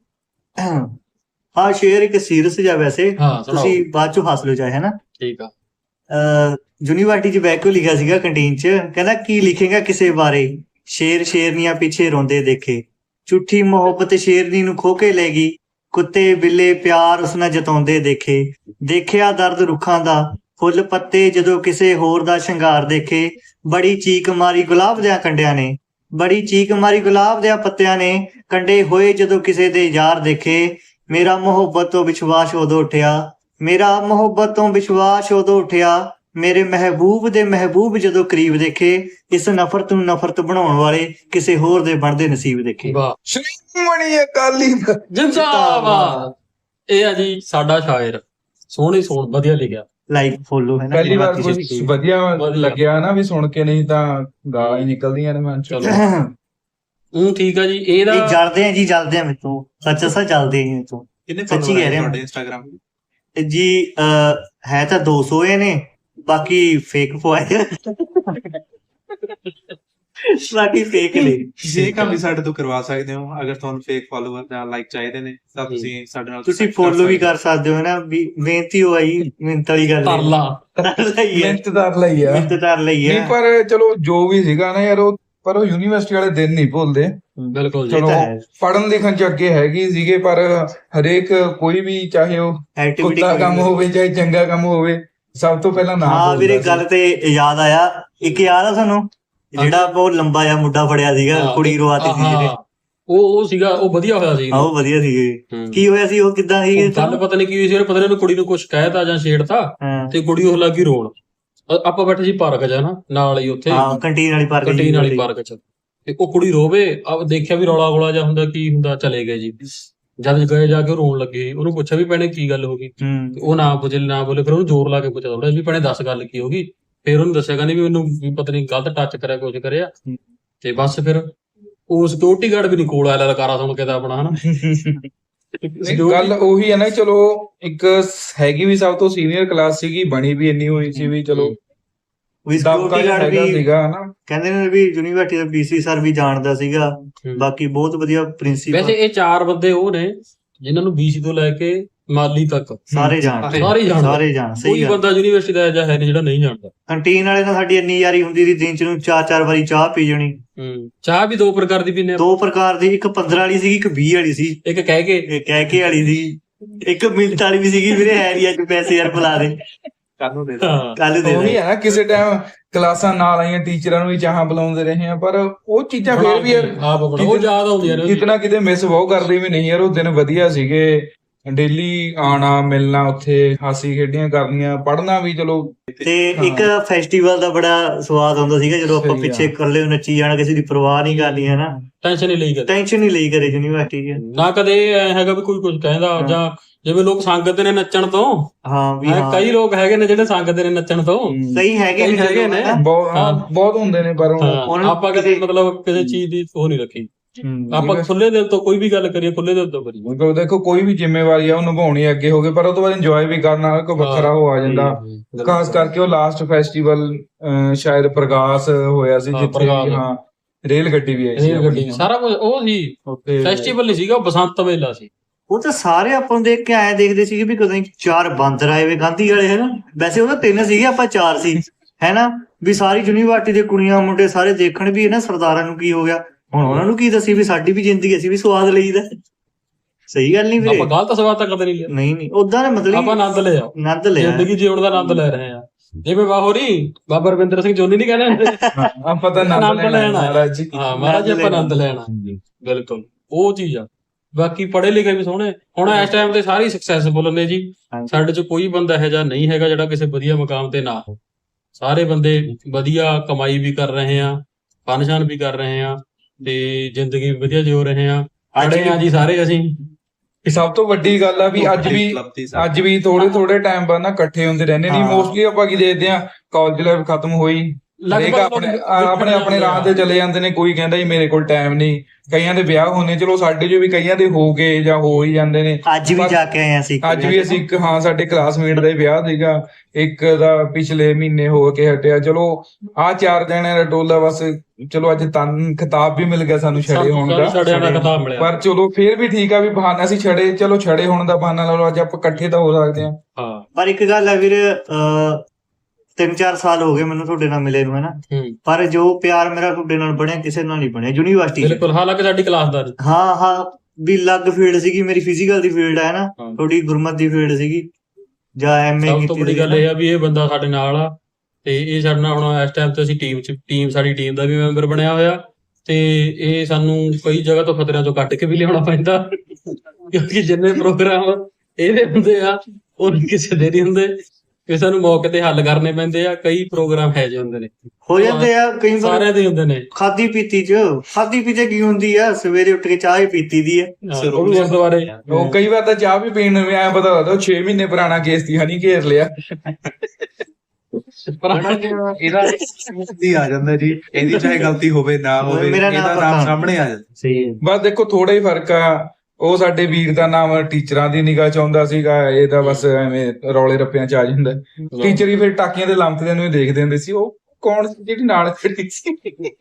ਹਾਂ ਸ਼ੇਅਰ ਇੱਕ ਸੀਰੀਅਸ ਜਿਹਾ ਵੈਸੇ ਹਾਂ ਸੁਣਾਓ। ਤੁਸੀਂ ਬਾਅਦ ਚੋਂ ਹੱਸ ਲਓ ਚਾਹੇ, ਹੈ ਨਾ। ਠੀਕ ਆ। ਯੂਨੀਵਰਸਿਟੀ ਚ ਬੈਠ ਕੇ ਲਿਖਿਆ ਸੀਗਾ ਕੰਟੀਨ ਚ, ਕਹਿੰਦਾ ਕੀ ਲਿਖੇਗਾ ਕਿਸੇ ਬਾਰੇ, ਸ਼ੇਰ ਸ਼ੇਰਨੀਆਂ ਪਿੱਛੇ ਰੋਂਦੇ ਦੇਖੇ, ਝੂਠੀ ਮੁਹੱਬਤ ਸ਼ੇਰਨੀ ਨੂੰ ਖੋ ਕੇ ਲੈ ਗਈ, ਕੁੱਤੇ ਬਿੱਲੇ ਪਿਆਰ ਉਸ ਨਾਲ ਜਤਾਉਂਦੇ ਦੇਖੇ, ਦੇਖਿਆ ਦਰਦ ਰੁੱਖਾਂ ਦਾ ਫੁੱਲ ਪੱਤੇ ਜਦੋਂ ਕਿਸੇ ਹੋਰ ਦਾ ਸ਼ਿੰਗਾਰ ਦੇਖੇ, ਬੜੀ ਚੀਕ ਮਾਰੀ ਗੁਲਾਬ ਦਿਆਂ ਕੰਡਿਆਂ ਨੇ, ਬੜੀ ਚੀਕ ਮਾਰੀ ਗੁਲਾਬ ਦਿਆਂ ਪੱਤਿਆਂ ਨੇ, ਕੰਡੇ ਹੋਏ ਜਦੋਂ ਕਿਸੇ ਦੇ ਯਾਰ ਦੇਖੇ, ਮੇਰਾ ਮੁਹੱਬਤ ਤੋਂ ਵਿਸ਼ਵਾਸ ਉਦੋਂ ਉੱਠਿਆ, ਮੇਰਾ ਮੁਹੱਬਤ ਤੋਂ ਵਿਸ਼ਵਾਸ ਉਦੋਂ ਉੱਠਿਆ, ਮੇਰੇ ਮਹਿਬੂਬ ਦੇ ਮਹਿਬੂਬ ਜਦੋਂ ਕਰੀਬ ਦੇਖੇ, ਇਸ ਨਫ਼ਰਤ ਨੂੰ ਨਫ਼ਰਤ ਬਣਾਉਣ ਵਾਲੇ ਕਿਸੇ ਹੋਰ ਦੇ ਬਣਦੇ ਨਸੀਬ ਦੇਖੇ। ਵਾਹ, ਸ਼੍ਰੋਮਣੀ ਅਕਾਲੀ ਦਲ। ਜਿੰਦਾਬਾਦ। ਇਹ ਆ ਜੀ ਸਾਡਾ ਸ਼ਾਇਰ। ਸੋਹਣੀ ਸੋਹਣ ਵਧੀਆ ਲਿਖਿਆ। ਲਾਈਕ ਫੋਲੋ ਹੈ ਨਾ। ਪਹਿਲੀ ਵਾਰ ਬਾਕੀ ਕੁਝ system। ਵਧੀਆ ਵਧੀਆ। ਲੱਗਿਆ ਨਾ ਵੀ ਸੁਣ ਕੇ, ਨਹੀਂ ਤਾਂ ਗਾਲਾਂ ਹੀ ਨਿਕਲਦੀਆਂ ਨੇ ਮਨ ਚੋਂ। ਚਲੋ। ਉਹ ਠੀਕ ਆ ਜੀ। ਇਹਦਾ ਇਹ ਜਲਦੇ ਆ ਜੀ, ਜਲਦੇ ਆ ਮੇਤੋਂ, ਸੱਚ ਸੱਚ ਜਲਦੇ ਆ ਮੇਤੋਂ ਕਿੰਨੇ ਸੱਚੀ follower ਕਹਿ ਰਿਹਾ ਤੁਹਾਡੇ ਮੈਂ। ਇੰਸਟਾਗ੍ਰਾਮ ਜੀ। ਅਹ, ਹੈ ਤਾਂ ਦੋ ਸੌ ਇਹ ਨੇ, ਬਾਕੀ ਫੇਕ ਪਵਾਏ ਆ। ਬਾਕੀ ਫੇਕ ਨੇ। ਜੇ ਕੰਮ ਵੀ ਸਾਡੇ ਤੋਂ ਕਰਵਾ ਸਕਦੇ ਹੋ। ਅਗਰ ਤੁਹਾਨੂੰ ਫੇਕ ਫਾਲੋਅਰ ਜਾਂ ਲਾਈਕ ਚਾਹੀਦੇ ਨੇ ਤਾਂ ਤੁਸੀਂ ਸਾਡੇ ਨਾਲ ਤੁਸੀਂ contact ਫੋਲੋ ਵੀ ਸਕਦੇ ਕਰ ਸਕਦੇ ਹੋ ਨਾ। ਵੀ ਮਿਹਨਤੀ ਹੋ ਆਈ, ਮਿਹਨਤ ਵਾਲੀ ਗੱਲ ਹੈ। ਤਰਲਾ। ਤਰਲਾ ਹੀ ਹੈ, ਮਿਹਨਤਦਾਰ ਲਈ ਆ। ਮਿਹਨਤ ਕਰ ਲਈ ਨਹੀਂ ਹੈ। ਪਰ ਚਲੋ ਜੋ ਵੀ ਸੀਗਾ ਨਾ ਯਾਰ, ਉਹ ਪਰ ਉਹ ਯੂਨੀਵਰਸਿਟੀ ਵਾਲੇ ਦਿਨ ਨਹੀਂ ਭੁੱਲਦੇ। ਬਿਲਕੁਲ ਜੀ। ਇਹ ਚਲੋ ਤਾਂ ਹੈ। ਪੜਨ ਲਿਖਣ ਚ ਅੱਗੇ ਹੈਗੀ ਸੀਗੇ, ਪਰ ਹਰੇਕ ਕੋਈ ਵੀ, ਚਾਹੇ ਉਹ ਐਕਟੀਵਿਟੀ ਕੁੱਤਾ ਕੰਮ ਹੋਵੇ ਚਾਹੇ ਚੰਗਾ ਕੰਮ ਹੋਵੇ, ਸਭ ਤੋਂ ਪਹਿਲਾਂ ਨਾਮ ਹਾਂ ਵੀਰੇ, ਬੋਲਦਾ ਗੱਲ ਤੇ ਯਾਦ ਆਇਆ। ਇੱਕ ਯਾਦ ਆ ਤੁਹਾਨੂੰ ਜਿਹੜਾ ਬਹੁਤ ਲੰਬਾ ਜਿਹਾ ਮੁੰਡਾ ਫੜਿਆ ਸੀਗਾ, ਹਾਂ, ਕੁੜੀ ਰਵਾਤੀ ਸੀ ਜਿਹਨੇ। ਹਾਂ, ਉਹ ਉਹ ਸੀਗਾ, ਉਹ ਵਧੀਆ ਹੋਇਆ ਸੀ। ਆਹ ਉਹ ਵਧੀਆ ਸੀਗੇ। ਹੂੰ। ਕੀ ਹੋਇਆ ਸੀ, ਉਹ ਕਿੱਦਾਂ ਸੀਗੇ? ਉਹ ਗੱਲ ਪਤਾ ਨਹੀਂ ਕੀ ਹੋਈ ਸੀ। ਉਹਨੇ ਪਤਾ ਨਹੀਂ ਉਹਨੂੰ ਕੁੜੀ ਨੂੰ ਕੁਝ ਕਹਿਤਾ ਜਾਂ ਛੇੜਤਾ, ਹਾਂ ਤੇ ਕੁੜੀ ਉਹ ਲੱਗੀ ਰੋਣ। ਅ- ਆਪਾਂ ਬੈਠੇ ਸੀ ਪਾਰਕ 'ਚ ਨਾ, ਨਾਲ ਹੀ ਉੱਥੇ ਹਾਂ ਕੰਟੀਨ ਵਾਲੀ ਪਾਰਕ ਕੰਟੀਨ ਵਾਲੀ ਪਾਰਕ 'ਚ। ਤੇ ਉਹ ਕੁੜੀ ਰੋਵੇ, ਆ ਦੇਖਿਆ ਵੀ ਰੌਲਾ ਗੋਲਾ ਜਾਂ ਹੁੰਦਾ, ਕੀ ਹੁੰਦਾ, ਚਲੇ ਗਏ ਜੀ। ਜਦ ਗਏ ਜਾ ਕੇ ਉਹ ਰੋਣ ਲੱਗੇ। ਉਹਨੂੰ ਪੁੱਛਿਆ ਵੀ ਭੈਣੇ ਕੀ ਗੱਲ ਹੋ ਗਈ, ਹੂੰ ਤੇ ਉਹ ਨਾ ਬੋਲੇ ਨਾ ਬੋਲੇ ਫਿਰ ਉਹਨੂੰ ਜ਼ੋਰ ਲਾ ਕੇ ਪੁੱਛਿਆ ਥੋੜਾ ਵੀ ਭੈਣੇ ਦੱਸ ਗੱਲ ਕੀ ਹੋ ਗਈ। ਫਿਰ ਉਹਨੂੰ ਦੱਸਿਆ ਕਹਿੰਦੀ ਵੀ ਮੈਨੂੰ ਵੀ ਪਤਾ ਨਹੀਂ ਗਲਤ ਟੱਚ ਕਰਿਆ ਕੁਝ ਕਰਿਆ ਤੇ ਬਸ ਫਿਰ ਉਹ ਸਿਕਿਉਰਿਟੀ ਗਾਰਡ ਵੀ ਨਹੀਂ ਕੋਲ ਆਇਆ ਲਲਕਾਰਾ ਸੁਣ ਕੇ ਤਾਂ ਆਪਣਾ ਹਨਾ ਨਹੀਂ, ਗੱਲ ਉਹੀ ਹੈ ਨਾ, ਚਲੋ ਇੱਕ ਹੈਗੀ ਵੀ ਸਭ ਤੋਂ ਸੀਨੀਅਰ ਕਲਾਸ ਸੀਗੀ, ਬਣੀ ਵੀ ਇੰਨੀ ਹੋਈ ਸੀ ਵੀ ਚਲੋ ਵੀ ਦਬਕਾ ਸਿਕਿਉਰਿਟੀ ਜਿਹਾ ਗਾਰਡ ਹੈਗਾ ਵੀ ਸੀਗਾ ਹਨਾ। ਕਹਿੰਦੇ ਨੇ ਵੀ ਯੂਨੀਵਰਸਿਟੀ ਦਾ ਪੀਸੀ ਸਰ ਵੀ ਜਾਣਦਾ ਸੀਗਾ, ਬਾਕੀ ਬਹੁਤ ਵਧੀਆ ਪ੍ਰਿੰਸੀਪਲ ਵੈਸੇ ਇਹ ਚਾਰ ਬੰਦੇ ਉਹ ਨੇ ਜਿਨ੍ਹਾਂ ਨੂੰ ਬੀਸੀ ਤੋਂ ਲੈ ਕੇ ਮਾਲੀ ਤੱਕ ਸਾਰੇ ਜਾਣਦੇ ਸਾਰੇ ਜਾਣਦੇ। ਸਾਰੇ ਜਾਣ ਸਹੀ ਕੋਈ ਗੱਲ। ਬੰਦਾ ਯੂਨੀਵਰਸਿਟੀ ਦਾ ਅਜਿਹਾ ਹੈ ਨਹੀਂ ਜਿਹੜਾ ਨਹੀਂ ਜਾਣਦਾ। ਕੰਟੀਨ ਵਾਲੇ ਨਾਲ ਸਾਡੀ ਇੰਨੀ ਯਾਰੀ ਹੁੰਦੀ ਸੀ, ਦਿਨ ਚ ਨੂੰ ਚਾਰ ਚਾਰ ਵਾਰੀ ਚਾਹ ਪੀ ਜਾਣੀ। ਹੂੰ ਚਾਹ ਵੀ ਦੋ ਪ੍ਰਕਾਰ ਦੀ ਪੀਨੇ, ਦੋ ਪ੍ਰਕਾਰ ਦੀ, ਇੱਕ ਪੰਦਰਾਂ ਵਾਲੀ ਸੀਗੀ, ਇੱਕ ਵੀਹ ਵਾਲੀ ਸੀ, ਇੱਕ ਕਹਿ ਕੇ ਇੱਕ ਕਹਿ ਕੇ ਵਾਲੀ ਸੀ, ਇੱਕ ਮਿੰਟ ਵਾਲੀ ਵੀ ਸੀਗੀ, ਵੀਰੇ ਹੈ ਨਹੀਂ ਅੱਜ ਪੈਸੇ ਯਾਰ ਬੁਲਾ ਦੇ ਕੱਲ ਨੂੰ ਦੇ ਹਾਂ ਕੱਲ ਦੇ ਉਹੀ ਦੇ। ਹੈ ਨਾ, ਕਿਸੇ ਟਾਈਮ ਕਲਾਸਾਂ ਨਾਲ ਆਈਆਂ ਟੀਚਰਾਂ ਨੂੰ ਵੀ ਚਾਹਾਂ ਬੁਲਾਉਂਦੇ ਰਹੇ ਆ, ਪਰ ਉਹ ਚੀਜ਼ਾਂ ਫੇਰ ਵੀ ਯਾਰ ਆਪ ਬਣਾ ਉਹ ਯਾਦ ਆਉਂਦੀਆਂ ਨੇ। ਕਿਤਨਾ ਕਿਤੇ ਮਿਸ ਬਹੁਤ ਕਰਦੇ ਵੀ ਨਹੀਂ ਯਾਰ, ਉਹ ਦਿਨ ਵਧੀਆ ਸੀਗੇ, ਡੇਲੀ ਆਣਾ ਮਿਲਣਾ, ਉੱਥੇ ਹਾਸੀ ਖੇਡੀਆਂ ਕਰਨੀਆਂ, ਪੜ੍ਹਨਾ ਵੀ ਚਲੋ। ਤੇ ਇੱਕ ਫੈਸਟੀਵਲ ਦਾ ਬੜਾ ਸਵਾਦ ਹੁੰਦਾ ਸੀਗਾ ਜਦੋਂ ਆਪਾਂ ਸਹੀ ਪਿੱਛੇ ਆ। ਇਕੱਲੇ ਨੱਚੀ ਜਾਣਾ, ਕਿਸੇ ਦੀ ਪਰਵਾਹ ਨਹੀਂ ਕਰਨੀ ਹੈ ਨਾ, ਟੈਨਸ਼ਨ ਨਹੀਂ ਲਈ ਕਦੇ ਟੈਨਸ਼ਨ ਨਹੀਂ ਲਈ ਕਰੇ ਯੂਨੀਵਰਸਿਟੀ 'ਚ। ਨਾ ਕਦੇ ਐ ਹੈਗਾ ਵੀ ਕੋਈ ਕੁਝ ਕਹਿੰਦਾ ਜਾਂ ਜਿਵੇਂ ਲੋਕ ਸੰਗਤ ਨੇ ਨੱਚਣ ਤੋਂ, ਹਾਂ ਵੀ ਐਂ ਹਾਂ ਕਈ ਲੋਕ ਹੈਗੇ ਨੇ ਜਿਹੜੇ ਸੰਗਤ ਨੇ ਨੱਚਣ ਤੋਂ। ਕਈ ਹੈਗੇ ਕਈ ਹੈਗੇ ਨੇ। ਨਾ। ਬਹੁਤ ਹਾਂ, ਬਹੁਤ ਹੁੰਦੇ ਨੇ, ਪਰ ਉਹ- ਹਾਂ, ਉਹਨਾਂ ਨੂੰ ਆਪਾਂ ਕਦੇ ਕਿਸੇ- ਮਤਲਬ ਕਿਸੇ ਚੀਜ਼ ਦੀ ਉਹ ਨਹੀਂ ਰੱਖੀ। ਹੂੰ, ਆਪਾਂ ਖੁੱਲੇ ਦਿਲ ਤੋਂ ਕੋਈ ਵੀ ਗੱਲ ਕਰੀਏ, ਖੁੱਲੇ ਦਿਲ ਤੋਂ ਕਰੀਏ। ਕਿਉਂਕਿ ਦੇਖੋ ਕੋਈ ਵੀ ਜ਼ਿੰਮੇਵਾਰੀ ਆ ਉਹ ਨਿਭਾਉਣੀ ਅੱਗੇ ਹੋ ਗਏ, ਪਰ ਉਹ ਤੋਂ ਬਾਅਦ ਇੰਜੋਏ ਵੀ ਕਰਨਾ ਕੋਈ ਵੱਖਰਾ ਹੋ ਆ ਜਾਂਦਾ। ਹੂੰ, ਖਾਸ ਕਰਕੇ ਉਹ ਲਾਸਟ ਫੈਸਟੀਵਲ ਸ਼ਾਇਦ ਪ੍ਰਗਾਸ ਹੋਇਆ ਸੀ, ਹਾਂ, ਜਿੱਥੇ ਪ੍ਰਗਾਸ। ਹਾਂ ਰੇਲ ਗੱਡੀ ਵੀ ਆਈ ਸੀ ਰੇਲ ਗੱਡੀ ਆਪਣੀ। ਸਾਰਾ ਕੁਝ ਉਹ ਸੀ। ਉੱਥੇ ਫੈਸਟੀਵਲ ਨਹੀਂ ਸੀਗਾ, ਉਹ ਬਸੰਤ ਮੇਲਾ ਸੀ। ਉਹ ਤਾਂ ਸਾਰੇ ਆਪਾਂ ਨੂੰ ਦੇਖ ਕੇ ਆਏ ਦੇਖਦੇ ਸੀਗੇ ਵੀ ਕਦੋਂ ਚਾਰ ਬਾਂਦਰ ਆਏ ਵੇ ਗਾਂਧੀ ਵਾਲੇ ਹੈ ਨਾ। ਵੈਸੇ ਉਹ ਤਾਂ ਤਿੰਨ ਸੀਗੇ, ਆਪਾਂ ਚਾਰ ਸੀ ਹੈ ਨਾ। ਵੀ ਸਾਰੀ ਯੂਨੀਵਰਸਿਟੀ ਦੇ ਕੁੜੀਆਂ ਮੁੰਡੇ ਸਾਰੇ ਦੇਖਣ ਵੀ ਇਹਨਾਂ ਸਰਦਾਰਾਂ ਨੂੰ ਕੀ ਹੋ ਗਿਆ, ਹੁਣ ਉਹਨਾਂ ਨੂੰ ਕੀ ਦੱਸੀ ਵੀ ਸਾਡੀ ਵੀ ਜ਼ਿੰਦਗੀ ਅਸੀਂ ਵੀ ਸਵਾਦ ਲਈਦਾ। ਸਹੀ ਗੱਲ ਨਹੀਂ ਵੀਰੇ, ਆਪਾਂ ਗਲਤ ਸਵਾਦ ਤਾਂ ਕਦੇ ਨਹੀਂ ਲਿਆ, ਨਹੀਂ ਨਹੀਂ ਉਦਾਂ ਦਾ ਮਤਲਬ ਆਪਾਂ ਆਨੰਦ ਲਿਆ, ਆਨੰਦ ਲਿਆ। ਜ਼ਿੰਦਗੀ ਜਿਉਣ ਦਾ ਆਨੰਦ ਲੈ ਰਹੇ ਆ। ਜਿਵੇਂ ਬਾਹੋਰੀ ਬਾਬਾ ਰਵਿੰਦਰ ਸਿੰਘ ਜੋਨੀ ਨਹੀਂ ਕਹਿੰਦੇ ਹੁੰਦੇ, ਹਾਂ, ਆਪਾਂ ਤਾਂ ਆਨੰਦ ਆਨੰਦ ਲੈਣਾ ਲੈਣਾ। ਮਹਾਰਾਜ ਜੀ। ਹਾਂ ਮਹਾਰਾਜ ਆਪਾਂ ਆਨੰਦ ਲੈਣਾ, ਬਿਲਕੁਲ ਉਹ ਚੀਜ਼ ਆ। ਬਾਕੀ ਪੜ੍ਹੇ ਲਿਖੇ ਵੀ ਸੋਹਣੇ, ਹੁਣ ਇਸ ਟਾਈਮ ਤੇ ਸਾਰੇ ਸਕਸੈਸਫੁਲ ਨੇ ਜੀ। ਹਾਂਜੀ। ਸਾਡੇ ਚ ਕੋਈ ਬੰਦਾ ਇਹੋ ਜਿਹਾ ਨਹੀਂ ਹੈਗਾ ਜਿਹੜਾ ਕਿਸੇ ਵਧੀਆ ਮੁਕਾਮ ਤੇ ਨਾ ਹੋ। ਸਾਰੇ ਬੰਦੇ ਵਧੀਆ ਕਮਾਈ ਵੀ ਕਰ ਰਹੇ ਆ, ਫਨਸ਼ਨ ਵੀ ਕਰ ਰਹੇ ਆ, ਤੇ ਜ਼ਿੰਦਗੀ ਵੀ ਵਧੀਆ ਜਿਉ ਰਹੇ ਆ। ਅੱਜ ਪੜ੍ਹੇ ਆ ਜੀ ਸਾਰੇ ਅਸੀਂ। ਇਹ ਸਭ ਤੋਂ ਵੱਡੀ ਗੱਲ ਆ ਵੀ ਅੱਜ ਵੀ ਅੱਜ ਵੀ ਥੋੜੇ ਥੋੜੇ ਟਾਈਮ ਬਾਅਦ ਨਾ ਇਕੱਠੇ ਹੁੰਦੇ ਰਹਿੰਦੇ ਨਹੀਂ। ਹਾਂ। ਮੋਸਟਲੀ ਆਪਾਂ ਕੀ ਦੇਖਦੇ ਆ, ਕਾਲਜ ਲਾਈਫ ਖਤਮ ਹੋਈ, ਹਰੇਕ ਆਪਣੇ ਆਪਣੇ ਆਪਣੇ ਰਾਹ ਤੇ ਚਲੇ ਜਾਂਦੇ ਨੇ। ਕੋਈ ਕਹਿੰਦਾ ਜੀ ਮੇਰੇ ਕੋਲ ਟਾਈਮ ਨਹੀਂ, ਕਈਆਂ ਦੇ ਵਿਆਹ ਹੋਣੇ, ਚਲੋ ਸਾਡੇ ਜੋ ਵੀ ਕਈਆਂ ਦੇ ਹੋ ਗਏ ਜਾਂ ਹੋ ਹੀ ਜਾਂਦੇ ਨੇ। ਅੱਜ ਵੀ ਜਾ ਕੇ ਆਏ ਅਸੀਂ ਅੱਜ ਵੀ ਅਸੀਂ ਇੱਕ ਹਾਂ ਸਾਡੇ ਕਲਾਸਮੇਟ ਦਾ ਹੀ ਵਿਆਹ ਸੀਗਾ, ਇੱਕ ਦਾ ਪਿਛਲੇ ਮਹੀਨੇ ਹੋ ਕੇ ਹਟਿਆ। ਚਲੋ ਆਹ ਚਾਰ ਜਣਿਆਂ ਦਾ ਟੋਲਾ ਬਸ, ਚਲੋ ਅੱਜ ਤਨ ਖਿਤਾਬ ਵੀ ਮਿਲ ਗਿਆ ਸਾਨੂੰ ਛੜੇ ਹੋਣ ਦਾ, ਛੜਿਆਂ ਦਾ ਖਿਤਾਬ ਮਿਲਿਆ। ਪਰ ਚਲੋ ਫੇਰ ਵੀ ਠੀਕ ਆ ਵੀ ਬਹਾਨਾ ਅਸੀਂ ਛੜੇ, ਚਲੋ ਛੜੇ ਹੋਣ ਦਾ ਬਹਾਨਾ ਲਾ ਲਓ, ਅੱਜ ਆਪਾਂ ਇਕੱਠੇ ਤਾਂ ਹੋ ਸਕਦੇ ਹਾਂ। ਹਾਂ ਪਰ ਇੱਕ ਗੱਲ ਹੈ ਵੀਰ, ਅਹ ਤਿੰਨ ਚਾਰ ਸਾਲ ਹੋ ਗਏ ਮੈਨੂੰ ਤੁਹਾਡੇ ਨਾਲ ਮਿਲੇ ਨੂੰ ਹੈ ਨਾ, ਹੂੰ ਪਰ ਜੋ ਪਿਆਰ ਮੇਰਾ ਤੁਹਾਡੇ ਨਾਲ ਬਣਿਆ ਕਿਸੇ ਨਾਲ ਨਹੀਂ ਬਣਿਆ ਯੂਨੀਵਰਸਿਟੀ 'ਚ। ਬਿਲਕੁਲ, ਹਾਲਾਂਕਿ ਸਾਡੀ ਕਲਾਸ ਦਾ ਨਹੀਂ। ਹਾਂ ਹਾਂ ਵੀ ਅਲੱਗ ਫੀਲਡ ਸੀਗੀ, ਮੇਰੀ ਫਿਜ਼ੀਕਲ ਦੀ ਫੀਲਡ ਹੈ ਨਾ, ਹਾਂ। ਥੋੜੀ ਗੁਰਮਤ ਦੀ ਫੀਲਡ ਸੀਗੀ ਜਾਂ ਐਮਏ ਸਭ ਕੀਤੀ ਤੋਂ ਵੱਡੀ ਗੱਲ ਇਹ ਆ ਵੀ ਇਹ ਬੰਦਾ ਸਾਡੇ ਨਾਲ ਆ, ਤੇ ਇਹ ਸਾਡੇ ਨਾਲ ਹੁਣ ਇਸ ਟਾਈਮ ਤੇ ਅਸੀਂ ਟੀਮ ਚ ਟੀਮ ਸਾਡੀ ਟੀਮ ਦਾ ਵੀ ਮੈਂਬਰ ਬਣਿਆ ਹੋਇਆ, ਤੇ ਇਹ ਸਾਨੂੰ ਕਈ ਜਗ੍ਹਾ ਤੋਂ ਖਤਰਿਆਂ ਤੋਂ ਕੱਢ ਕੇ ਵੀ ਲਿਆਉਣਾ ਪੈਂਦਾ, ਕਿਉਂਕਿ ਜਿੰਨੇ ਪ੍ਰੋਗਰਾਮ ਇਹਦੇ ਹੁੰਦੇ ਆ ਉਹ ਕਿਸੇ ਦੇ ਨਹੀਂ ਹੁੰਦੇ, ਕਿ ਸਾਨੂੰ ਮੌਕੇ ਤੇ ਹੱਲ ਕਰਨੇ ਪੈਂਦੇ ਆ। ਕਈ ਪ੍ਰੋਗਰਾਮ ਹੈ ਜਿਹੇ ਹੁੰਦੇ ਨੇ, ਹੋ ਜਾਂਦੇ ਆ ਕਈ ਵਾਰ। ਸਾਰਿਆਂ ਦੇ ਹੁੰਦੇ ਨੇ। ਖਾਦੀ ਪੀਤੀ ਚ ਖਾਦੀ ਪੀਤੇ ਕੀ ਹੁੰਦੀ ਆ, ਸਵੇਰੇ ਉੱਠ ਕੇ ਚਾਹ ਹੀ ਪੀਤੀ ਦੀ ਹੈ। ਹਾਂ, ਉਹ ਵੀ ਗੁਰਦੁਆਰੇ ਉਹ ਕਈ ਵਾਰ ਤਾਂ ਚਾਹ ਵੀ ਪੀਣ ਨੂੰ ਵੀ ਐਂ ਪਤਾ ਲੱਗਦਾ ਉਹ ਛੇ ਮਹੀਨੇ ਪੁਰਾਣਾ ਕੇਸ ਦੀ ਹਨੀ ਘੇਰ ਲਿਆ। ਇਹਦਾ ਦੀ ਆ ਜਾਂਦਾ ਜੀ, ਇਹਦੀ ਚਾਹੇ ਗਲਤੀ ਹੋਵੇ ਨਾ ਹੋਵੇ, ਮੇਰਾ ਨਾਮ ਇਹਦਾ ਪਤਾ। ਨਾਮ ਸਾਹਮਣੇ ਆ ਜਾਂਦਾ। ਸਹੀ ਹੈ। ਬਸ ਦੇਖੋ ਥੋੜਾ ਹੀ ਫਰਕ ਆ, ਉਹ ਸਾਡੇ ਵੀਰ ਦਾ ਨਾਮ ਟੀਚਰਾਂ ਦੀ ਨਿਗਾਹ ਚ ਆਉਂਦਾ ਸੀਗਾ, ਇਹ ਤਾਂ ਬਸ ਐਵੇਂ ਰੌਲੇ ਰੱਪਿਆਂ ਚ ਆ ਜਾਂਦਾ। ਟੀਚਰ ਹੀ ਫਿਰ ਟਾਕੀਆਂ ਦੇ ਲੰਮਕਦਿਆਂ ਨੂੰ ਹੀ ਦੇਖਦੇ ਹੁੰਦੇ ਸੀ, ਉਹ ਕੌਣ ਸੀ ਜਿਹੜੀ ਨਾਲ ਖੜੀ ਸੀ।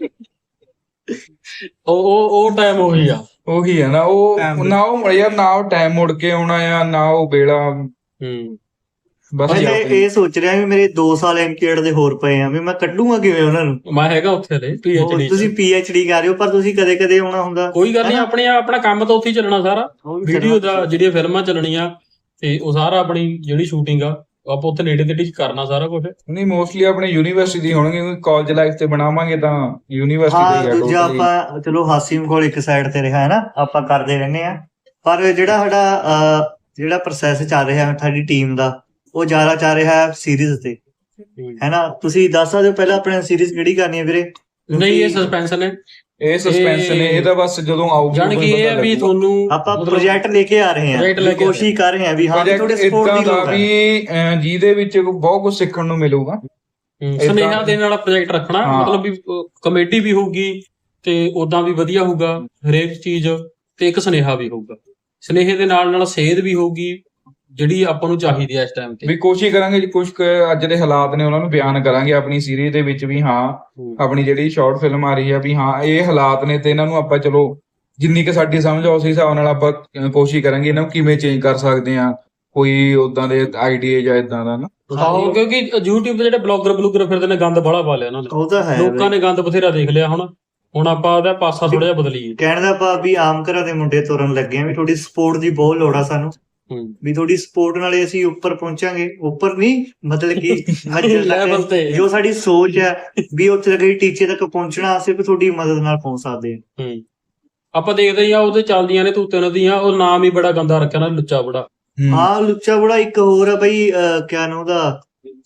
ਉਹ ਉਹ ਉਹ ਟਾਈਮ ਉਹੀ ਆ। ਉਹੀ ਹੈ ਨਾ, ਉਹ Time ਨਾ ਉਹ ਯਾਰ ਨਾ ਉਹ ਟਾਈਮ ਮੁੜ ਕੇ ਆਉਣਾ ਆ, ਨਾ ਉਹ ਵੇਲਾ। ਹੂੰ ਬਸ ਮੈਂ ਜੀ ਤਾਂ ਆਪਣੀ- ਇਹ ਸੋਚ ਰਿਹਾ ਵੀ ਮੇਰੇ ਦੋ ਸਾਲ ਐਮਕੇਡ ਦੇ ਹੋਰ ਪਏ ਆ, ਵੀ ਮੈਂ ਕੱਢੂਗਾ ਕਿਵੇਂ ਉਹਨਾਂ ਨੂੰ। ਮੈਂ ਹੈਗਾ ਉੱਥੇ ਲੈ ਹੋਰ ਪੀਐਚਡੀ ਤੁਸੀਂ ਪੀਐਚਡੀ ਕਰ ਰਹੇ ਹੋ, ਪਰ ਤੁਸੀਂ ਕਦੇ ਕਦੇ ਆਉਣਾ ਹੁੰਦਾ। ਕੋਈ ਗੱਲ ਨਹੀਂ, ਆਪਣੇ ਆਪਣਾ ਕੰਮ ਤਾਂ ਉੱਥੇ ਹੀ ਚੱਲਣਾ ਸਾਰਾ। ਉਹ ਵੀ ਵੀਡੀਓ ਕਰਨਾ। ਦਾ ਜਿਹੜੀਆਂ ਫਿਲਮਾਂ ਚੱਲਣੀਆਂ ਤੇ ਉਹ ਸਾਰਾ ਆਪਣੀ ਜਿਹੜੀ ਸ਼ੂਟਿੰਗ ਆ ਆਪਾਂ ਉੱਥੇ ਨੇੜੇ ਤੇੜੇ ਕਰਨਾ ਸਾਰਾ ਕੁਝ। ਨਹੀਂ ਮੋਸਟਲੀ ਆਪਣੇ ਯੂਨੀਵਰਸਿਟੀ ਦੀ ਹੋਣਗੇ, ਕਿਉਂਕਿ ਕਾਲਜ ਲਾਈਫ ਤੇ ਬਣਾਵਾਂਗੇ ਤਾਂ ਯੂਨੀਵਰਸਿਟੀ ਹਾਂ ਦੀ ਆ ਦੂਜਾ totally। ਆਪਾਂ ਚਲੋ ਹਾਸੀਮ ਕੋਲ ਇੱਕ ਸਾਈਡ ਤੇ ਰਿਹਾ ਹੈ ਨਾ, ਆਪਾਂ ਕਰਦੇ ਰਹਿੰਦੇ ਆ, ਪਰ ਜਿਹੜਾ ਸਾਡਾ ਅਹ, ਜਿਹੜਾ ਪ੍ਰੋਸੈਸ ਚੱਲ ਰਿਹਾ ਸਾਡੀ ਟੀਮ ਦਾ, ਉਹ ਜ਼ਿਆਦਾ ਚੱਲ ਰਿਹਾ ਹੈ ਸੀਰੀਜ਼ ਤੇ, ਹੈ ਨਾ। ਤੁਸੀਂ ਦੱਸ ਸਕਦੇ ਹੋ ਪਹਿਲਾਂ ਆਪਣੇ ਸੀਰੀਜ਼ ਕਿਹੜੀ ਕਰਨੀ ਹੈ ਵੀਰੇ? ਨਹੀਂ ਇਹ ਸਸਪੈਂਸ ਨੇ, ਇਹ ਸਸਪੈਂਸ ਨੇ, ਇਹਦਾ ਬਸ ਜਦੋਂ ਆਊਗੀ ਜਾਣ ਕਿ ਇਹ ਆ ਵੀ ਤੁਹਾਨੂੰ ਆਪਾਂ ਮਤਲਬ ਪ੍ਰੋਜੈਕਟ ਲੈ ਕੇ ਆ ਰਹੇ project ਲੈ ਹਾਂ, ਕੇ ਆ ਕੋਸ਼ਿਸ਼ ਕਰ ਰਹੇ ਹਾਂ ਵੀ ਹਾਂ ਵੀ ਤੁਹਾਡੇ ਪ੍ਰੋਜੈਕਟ ਸਪੋਰਟ ਇਦਾਂ ਦੀ ਦਾ ਲੋੜ ਹੈ। ਵੀ ਅਹ, ਜਿਹਦੇ ਵਿੱਚ ਬਹੁਤ ਕੁਝ ਸਿੱਖਣ ਨੂੰ ਮਿਲੂਗਾ। ਏਦਾਂ- ਸੁਨੇਹਾ ਦੇਣ ਵਾਲਾ ਪ੍ਰੋਜੈਕਟ ਰੱਖਣਾ, ਹਾਂ। ਮਤਲਬ ਵੀ ਕਮੇਡੀ ਵੀ ਹੋਊਗੀ ਤੇ ਉਦਾਂ ਵੀ ਵਧੀਆ ਹੋਊਗਾ ਹਰੇਕ ਚੀਜ਼, ਤੇ ਇੱਕ ਸੁਨੇਹਾ ਵੀ ਹੋਊਗਾ। ਸੁਨੇਹੇ ਦੇ ਨਾਲ ਨਾਲ ਸੇਧ ਵੀ ਹੋਊਗੀ ਜਿਹੜੀ ਆਪਾਂ ਨੂੰ ਚਾਹੀਦੀ ਹੈ ਇਸ ਟਾਈਮ ਤੇ। ਵੀ ਕੋਸ਼ਿਸ਼ ਕਰਾਂਗੇ ਜੀ ਕੁਝ ਕੁ ਅੱਜ ਦੇ ਹਾਲਾਤ ਨੇ ਉਹਨਾਂ ਨੂੰ ਬਿਆਨ ਕਰਾਂਗੇ ਆਪਣੀ ਸੀਰੀਜ਼ ਦੇ ਵਿੱਚ ਵੀ। ਹਾਂ ਆਪਣੀ ਜਿਹੜੀ ਸ਼ਾਰਟ ਫਿਲਮ ਆ ਰਹੀ ਆ ਵੀ ਹਾਂ ਇਹ ਹਾਲਾਤ ਨੇ ਤੇ ਇਹਨਾਂ ਨੂੰ ਆਪਾਂ ਚਲੋ ਜਿੰਨੀ ਕਿ ਸਾਡੀ ਸਮਝ ਆ ਉਸ ਹਿਸਾਬ ਨਾਲ ਆਪਾਂ ਅਹ ਕੋਸ਼ਿਸ਼ ਕਰਾਂਗੇ ਇਹਨਾਂ ਨੂੰ ਕਿਵੇਂ ਚੇਂਜ ਕਰ ਸਕਦੇ ਆ, ਕੋਈ ਉਦਾਂ ਦੇ ਆਈਡੀਆ ਜਾਂ ਇਦਾਂ ਦਾ ਨਾ। ਆਹੋ, ਕਿਉਂਕਿ YouTube ਤੇ ਜਿਹੜੇ ਬਲੌਗਰ ਬਲੂਗਰ ਫਿਰਦੇ ਨੇ ਗੰਦ ਬੜਾ ਪਾ ਲਿਆ ਉਹਨਾਂ ਨੇ, ਉਹ ਤਾਂ ਹੈ ਲੋਕਾਂ ਬਈ। ਨੇ ਗੰਦ ਬਥੇਰਾ ਦੇਖ ਲਿਆ। ਹੁਣ ਹੁਣ ਆਪਾਂ ਉਹਦਾ ਪਾਸਾ ਥੋੜਾ ਜਿਹਾ ਬਦਲੀਏ। ਕਹਿਣ ਦਾ ਭਾਵ ਵੀ ਆਮ ਘਰਾਂ ਦੇ ਮੁੰਡੇ ਤੁਰਨ ਲੱਗੇ ਆ ਵੀ ਤੁਹਾਡੀ ਸਪੋਰਟ ਦੀ ਬਹੁਤ ਲੋੜ ਆ ਸਾਨੂੰ, ਹੂੰ ਵੀ ਤੁਹਾਡੀ ਸਪੋਰਟ ਨਾਲੇ ਅਸੀਂ ਉੱਪਰ ਪਹੁੰਚਾਂਗੇ। ਉੱਪਰ ਨਹੀਂ ਮਤਲਬ ਕਿ ਮੰਜ਼ਿਲ ਲੈਵਲ ਤੱਕ ਤੇ। ਜੋ ਸਾਡੀ ਸੋਚ ਹੈ ਵੀ ਉੱਥੇ ਤੱਕ ਟੀਚੇ ਤੱਕ ਪਹੁੰਚਣਾ ਸਿਰਫ ਤੁਹਾਡੀ ਮਦਦ ਨਾਲ ਪਹੁੰਚ ਸਕਦੇ ਹਾਂ। ਹੂੰ ਆਪਾਂ ਦੇਖਦੇ ਹੀ ਆ ਉਹਦੇ ਚੱਲਦੀਆਂ ਨੇ ਤੂਤੇ ਨਦੀਆਂ, ਉਹ ਨਾਮ ਹੀ ਬੜਾ ਗੰਦਾ ਰੱਖਿਆ ਨਾ, ਲੁੱਚਾ ਬੜਾ। ਹਾਂ ਲੁੱਚਾ ਬੜਾ ਇੱਕ ਹੋਰ ਆ ਬਈ, ਅਹ, ਕਿਆ ਨਾਮ ਉਹਦਾ,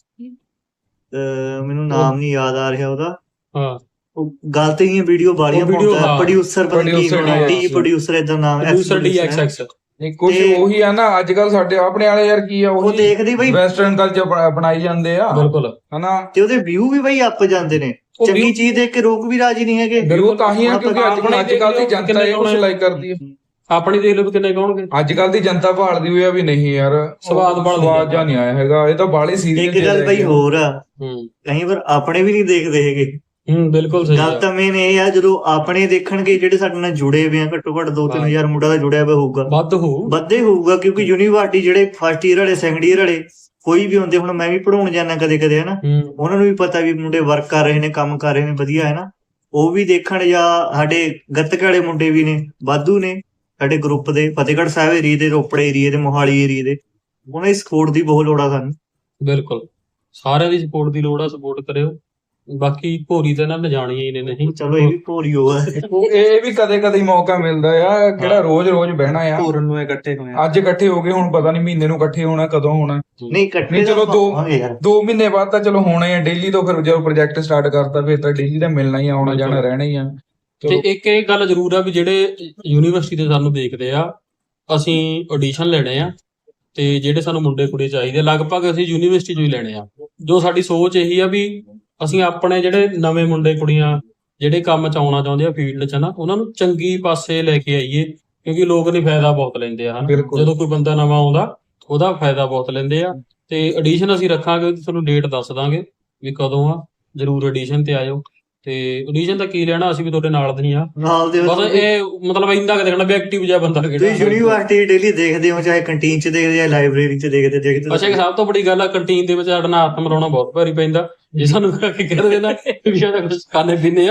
ਅਹ, ਮੈਨੂੰ ਨਾਮ ਨਹੀਂ ਯਾਦ ਆ ਰਿਹਾ ਉਹਦਾ। ਹਾਂ ਉਹ ਗਲਤ ਹੀ ਵੀਡੀਓ ਬਾਲੀਆਂ ਉਹ video, ਪਾਉਂਦਾ, ਹਾਂ। ਪ੍ਰੋਡਿਊਸਰ ਪਤਾ ਕੀ Producer, ਡੀ ਹਾਂ। ਪ੍ਰੋਡਿਊਸਰ ਇਦਾਂ ਨਾਮ ਹੈ, ਪ੍ਰੋਡਿਊਸਰ ਡੀ ਐਕਸ ਐਕਸ। ਨਹੀਂ ਕੁਝ ਤੇ- ਉਹੀ ਆ ਨਾ ਅੱਜ ਕੱਲ ਸਾਡੇ ਆਪਣੇ ਵਾਲੇ ਯਾਰ ਕੀ ਆ ਉਹ ਉਹੀ ਦੇਖਦੀ ਬਈ ਵੈਸਟਰਨ ਕਲਚਰ ਬਣਾਈ ਜਾਂਦੇ ਆ ਬਿਲਕੁਲ। ਹਨਾ। ਤੇ ਉਹਦੇ ਵਿਊ ਵੀ ਬਈ ਅੱਪ ਜਾਂਦੇ ਨੇ। ਉਹ ਚੰਗੀ view- ਚੀਜ਼ ਦੇਖ ਕੇ ਰੋਕ ਵੀ ਰਾਜੀ ਨਹੀਂ ਹੈਗੇ। ਬਿਲਕੁਲ ਤਾਂ ਹੀ ਆ ਹੁਣ ਕਿਉਂਕਿ ਅੱਜ ਆਪਣੇ ਅੱਜ ਕੱਲ ਦੀ ਦੇਖ ਲਓ ਜਨਤਾ ਇਹ ਕੁਝ ਕਿੰਨੇ ਲਾਈਕ ਕਰਦੀ ਹੈ। ਆਪਣੀ ਦੇਖ ਲਓ ਵੀ ਕਿੰਨੇ ਕਹੋਣਗੇ। ਅੱਜ ਕੱਲ ਦੀ ਜਨਤਾ ਭਾਲਦੀ ਹੋਈ ਆ ਵੀ ਨਹੀਂ ਯਾਰ ਸਵਾਦ ਭਾਲਦੀ ਸਵਾਦ ਆ। ਜਾਂ ਨਹੀਂ ਆਇਆ ਹੈਗਾ, ਇਹ ਤਾਂ ਬਾਲੇ ਸੀਰੀਅਸ ਇੱਕ ਗੱਲ ਬਈ ਹੋਰ ਆ, ਹੂੰ ਕਈ ਵਾਰ ਆਪਣੇ ਵੀ ਨਹੀਂ ਦੇਖਦੇ ਹੈਗੇ। ਹੂੰ ਬਿਲਕੁਲ ਸਹੀ ਗੱਲ ਆ। ਤਾਂ ਮੇਨ ਇਹ ਆ ਜਦੋਂ ਆਪਣੇ ਦੇਖਣਗੇ ਜਿਹੜੇ ਸਾਡੇ ਨਾਲ ਜੁੜੇ ਹੋਏ ਆ, ਘੱਟੋ ਘੱਟ ਦੋ ਤਿੰਨ ਹਾਂ। ਹਜ਼ਾਰ ਮੁੰਡਾ ਦਾ ਜੁੜਿਆ ਹੋਇਆ ਹੋਊਗਾ, ਵੱਧ ਹੋਊ। ਵੱਧੇ ਹੋਊਗਾ। ਕਿਉਂਕਿ ਯੂਨੀਵਰਸਿਟੀ ਜਿਹੜੇ ਫਸਟ ਈਅਰ ਵਾਲੇ ਸੈਕੰਡ ਈਅਰ ਵਾਲੇ ਕੋਈ ਵੀ ਹੁੰਦੇ, ਹੁਣ ਮੈਂ ਵੀ ਪੜਾਉਣ ਜਾਂਦਾ ਕਦੇ ਕਦੇ ਹਨਾ, ਹੂੰ ਉਹਨਾਂ ਨੂੰ ਵੀ ਪਤਾ ਵੀ ਮੁੰਡੇ ਵਰਕ ਕਰ ਰਹੇ ਨੇ, ਕੰਮ ਕਰ ਰਹੇ ਨੇ ਵਧੀਆ ਹੈ ਨਾ, ਉਹ ਵੀ ਦੇਖਣ। ਜਾਂ ਸਾਡੇ ਗੱਤਕੇ ਵਾਲੇ ਮੁੰਡੇ ਵੀ ਨੇ, ਵਾਧੂ ਨੇ ਸਾਡੇ ਗਰੁੱਪ ਦੇ, ਫਤਿਹਗੜ੍ਹ ਸਾਹਿਬ ਏਰੀਏ ਦੇ, ਰੋਪੜ ਏਰੀਏ ਦੇ, ਮੋਹਾਲੀ ਏਰੀਏ ਦੇ। ਉਹਨਾਂ ਦੀ ਸਪੋਰਟ ਦੀ ਬਹੁਤ ਲੋੜ ਆ ਸਾਨੂੰ। ਬਿਲਕੁਲ ਸਾਰਿਆਂ ਦੀ ਸਪੋਰਟ ਦੀ ਲੋੜ ਆ, ਸਪੋਰਟ ਕਰਿਓ। ਬਾਕੀ ਭੋਰੀ ਤਾਂ ਇਹਨਾਂ ਨੇ ਜਾਣੀਆਂ ਹੀ ਨੇ। ਨਹੀਂ ਚਲੋ ਇਹ ਵੀ ਭੋਰੀਓ ਆ। ਉਹ ਇਹ ਵੀ ਕਦੇ ਕਦੇ ਮੌਕਾ ਮਿਲਦਾ ਆ, ਕਿਹੜਾ ਰੋਜ਼ ਰੋਜ਼ ਬਹਿਣਾ ਆ। ਪੂਰਨ ਨੂੰ ਇਕੱਠੇ ਹੋਏ ਆ। ਅੱਜ ਇਕੱਠੇ ਹੋ ਗਏ, ਹੁਣ ਪਤਾ ਨਹੀਂ ਮਹੀਨੇ ਨੂੰ ਇਕੱਠੇ ਹੋਣਾ ਕਦੋਂ ਹੋਣਾ। ਨਹੀਂ ਇਕੱਠੇ ਨਹੀਂ, ਚਲੋ ਤਾਂ ਦੋ- ਹੋਵਾਂਗੇ ਯਾਰ। ਦੋ ਮਹੀਨੇ ਬਾਅਦ ਤਾਂ ਚਲੋ ਹੋਣਾ ਹੀ ਆ ਡੇਲੀ ਤੋਂ। ਫਿਰ ਜਦੋਂ ਪ੍ਰੋਜੈਕਟ ਸਟਾਰਟ ਕਰਤਾ ਫਿਰ ਤਾਂ ਡੇਲੀ ਦਾ ਮਿਲਣਾ ਹੀ ਆ, ਆਉਣਾ ਜਾਣਾ ਰਹਿਣਾ ਹੀ ਆ। ਤੇ ਚਲੋ ਇੱਕ ਇਹ ਗੱਲ ਜ਼ਰੂਰ ਆ ਵੀ ਜਿਹੜੇ ਯੂਨੀਵਰਸਿਟੀ ਦੇ ਸਾਨੂੰ ਦੇਖਦੇ ਆ, ਅਸੀਂ ਆਡੀਸ਼ਨ ਲੈਣੇ ਆ ਤੇ ਜਿਹੜੇ ਸਾਨੂੰ ਮੁੰਡੇ ਕੁੜੀ ਚਾਹੀਦੇ ਆ, ਲਗਭਗ ਅਸੀਂ ਯੂਨੀਵਰਸਿਟੀ ਚੋਂ ਹੀ ਲੈਣੇ ਆ। ਜੋ ਸਾਡੀ ਸੋਚ ਇਹੀ ਆ ਵੀ ਅਸੀਂ ਆਪਣੇ ਜਿਹੜੇ ਨਵੇਂ ਮੁੰਡੇ ਕੁੜੀਆਂ ਜਿਹੜੇ ਕੰਮ ਚ ਆਉਣਾ ਚਾਹੁੰਦੇ ਆ ਫੀਲਡ ਚ ਨਾ, ਉਹਨਾਂ ਨੂੰ ਚੰਗੀ ਪਾਸੇ ਲੈ ਕੇ ਆਈਏ। ਕਿਉਂਕਿ ਲੋਕ ਨਹੀਂ ਫਾਇਦਾ ਬਹੁਤ ਲੈਂਦੇ ਆ ਹਨਾ, ਬਿਲਕੁਲ। ਜਦੋਂ ਕੋਈ ਬੰਦਾ ਨਵਾਂ ਆਉਂਦਾ ਉਹਦਾ ਫਾਇਦਾ ਬਹੁਤ ਲੈਂਦੇ ਆ। ਤੇ ਆਡੀਸ਼ਨ ਅਸੀਂ ਰੱਖਾਂਗੇ, ਤੁਹਾਨੂੰ ਡੇਟ ਦੱਸ ਦਾਂਗੇ ਵੀ ਕਦੋਂ ਆ, ਜਰੂਰ ਆਡੀਸ਼ਨ ਤੇ ਆਇਓ। ਤੇ ਆਡੀਸ਼ਨ ਦਾ ਕੀ ਲੈਣਾ, ਅਸੀਂ ਵੀ ਤੁਹਾਡੇ ਨਾਲ ਦੇ ਹੀ ਆ। ਨਾਲ ਦੇ ਬਸ ਇਹ ਮਤਲਬ ਇੰਦਾ ਕਿ ਦੇਖਣਾ ਵੀ ਐਕਟਿਵ ਜਿਹਾ ਬੰਦਾ ਤੁਸੀਂ ਕਿਹੜਾ। ਯੂਨੀਵਰਸਿਟੀ ਡੇਲੀ ਦੇਖਦੇ ਹੋ, ਚਾਹੇ ਕੰਟੀਨ ਚ ਦੇਖਦੇ ਜਾਂ ਲਾਇਬ੍ਰੇਰੀ ਚ ਦੇਖਦੇ ਦੇਖਦੇ ਅੱਛਾ, ਇੱਕ ਸਭ ਤੋਂ ਵੱਡੀ ਗੱਲ ਆ, ਕੰਟੀਨ ਦੇ ਵਿੱਚ ਸਾਡਾ ਹੱਥ ਮਿਲਾਉਣਾ ਬਹੁਤ ਭਾਰੀ ਪੈਂਦਾ। ਜੇ ਸਾਨੂੰ ਕੀ ਕਹਿ ਦੇਣਾ ਵੀ ਸਾਡਾ ਕੁਝ ਖਾਣੇ ਪੀਣੇ ਆ,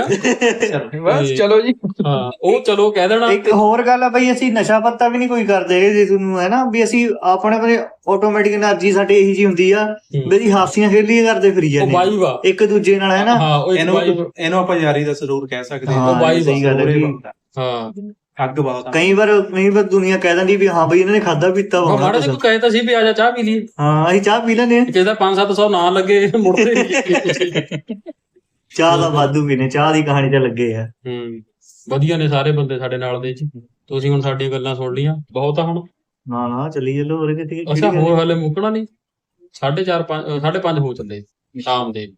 ਬਸ ਚਲੋ ਜੀ। ਹਾਂ ਉਹ ਚਲੋ ਕਹਿ ਦੇਣਾ। ਇੱਕ ਹੋਰ ਗੱਲ ਆ ਬਈ, ਅਸੀਂ ਨਸ਼ਾ ਪੱਤਾ ਵੀ ਨਹੀਂ ਕੋਈ ਕਰਦੇ ਜੇ ਤੁਹਾਨੂੰ ਹੈ ਨਾ, ਵੀ ਅਸੀਂ ਆਪਣੇ ਆਪਣੇ ਆਟੋਮੈਟਿਕ એનર્ਜੀ ਸਾਡੀ ਇਹੀ ਜੀ ਹੁੰਦੀ ਆ ਵੀ ਅਸੀਂ ਹਾਸੀਆਂ ਖੇਲੀਆਂ ਕਰਦੇ ਫਿਰੀ ਉਹ ਜਾਂਦੇ ਆ ਬਾਈ ਵਾ। ਇੱਕ ਦੂਜੇ ਨਾਲ ਹੈ ਨਾ। ਹਾਂ ਉਹ ਇੱਕ ਇਹਨੂੰ ਬਾਈ ਵਾ। ਇਹਨੂੰ ਆਪਾਂ ਯਾਰੀ ਦਾ ਜ਼ਰੂਰ ਕਹਿ ਸਕਦੇ ਹਾਂ, ਉਹ ਬਾਈ ਸਹੀ ਗੱਲ ਹੈ ਜ਼ਰੂਰ ਇਹ ਜੀ। ਬਣਦਾ। ਹਾਂ ਅੱਗ ਬਹੁਤ ਆ। ਕਈ ਵਾਰ ਕਈ ਵਾਰ ਦੁਨੀਆ ਕਹਿ ਦਿੰਦੀ ਵੀ ਹਾਂ ਬਈ ਇਹਨਾਂ ਨੇ ਖਾਦਾ ਪੀਤਾ ਵਾ ਉਹ ਹੋਣਾ ਮਾੜਾ ਜਿਹਾ ਕੁਛ। ਕੋਈ ਕਹੇ ਤਾਂ ਸੀ ਵੀ ਆ ਜਾ ਚਾਹ ਪੀ ਲਈਏ, ਹਾਂ ਅਸੀਂ ਚਾਹ ਪੀ ਲੈਂਦੇ ਆ। ਕਿਸੇ ਦਾ ਪੰਜ ਸੱਤ ਸੌ ਨਾ ਲੱਗੇ ਮੁੜਦੇ ਨੀ। ਚਾਹ ਦਾ ਵਾਧੂ ਵੀ ਨੇ, ਚਾਹ ਦੀ ਕਹਾਣੀ ਤੇ ਲੱਗੇ ਆ। ਹੂੰ ਵਧੀਆ ਨੇ ਸਾਰੇ ਬੰਦੇ ਸਾਡੇ ਨਾਲ ਦੇ ਜੀ। ਤੁਸੀਂ ਹੁਣ ਸਾਡੀਆਂ ਗੱਲਾਂ ਸੁਣ ਲਈਆਂ, ਬਹੁਤ ਆ ਹੁਣ। ਨਾ ਨਾ ਚੱਲੀ ਚੱਲੋ ਹੋਰ ਕਿਤੇ ਕਿਹੜੀ ਅੱਛਾ ਗੱਲ ਹੋਰ ਹੈ। ਹਾਲੇ ਮੁੱਕਣਾ ਨਹੀਂ, ਸਾਢੇ ਚਾਰ ਪੰਜ ਸਾਢੇ ਪੰਜ ਹੋ ਚੱਲੇ ਸ਼ਾਮ ਦੇ।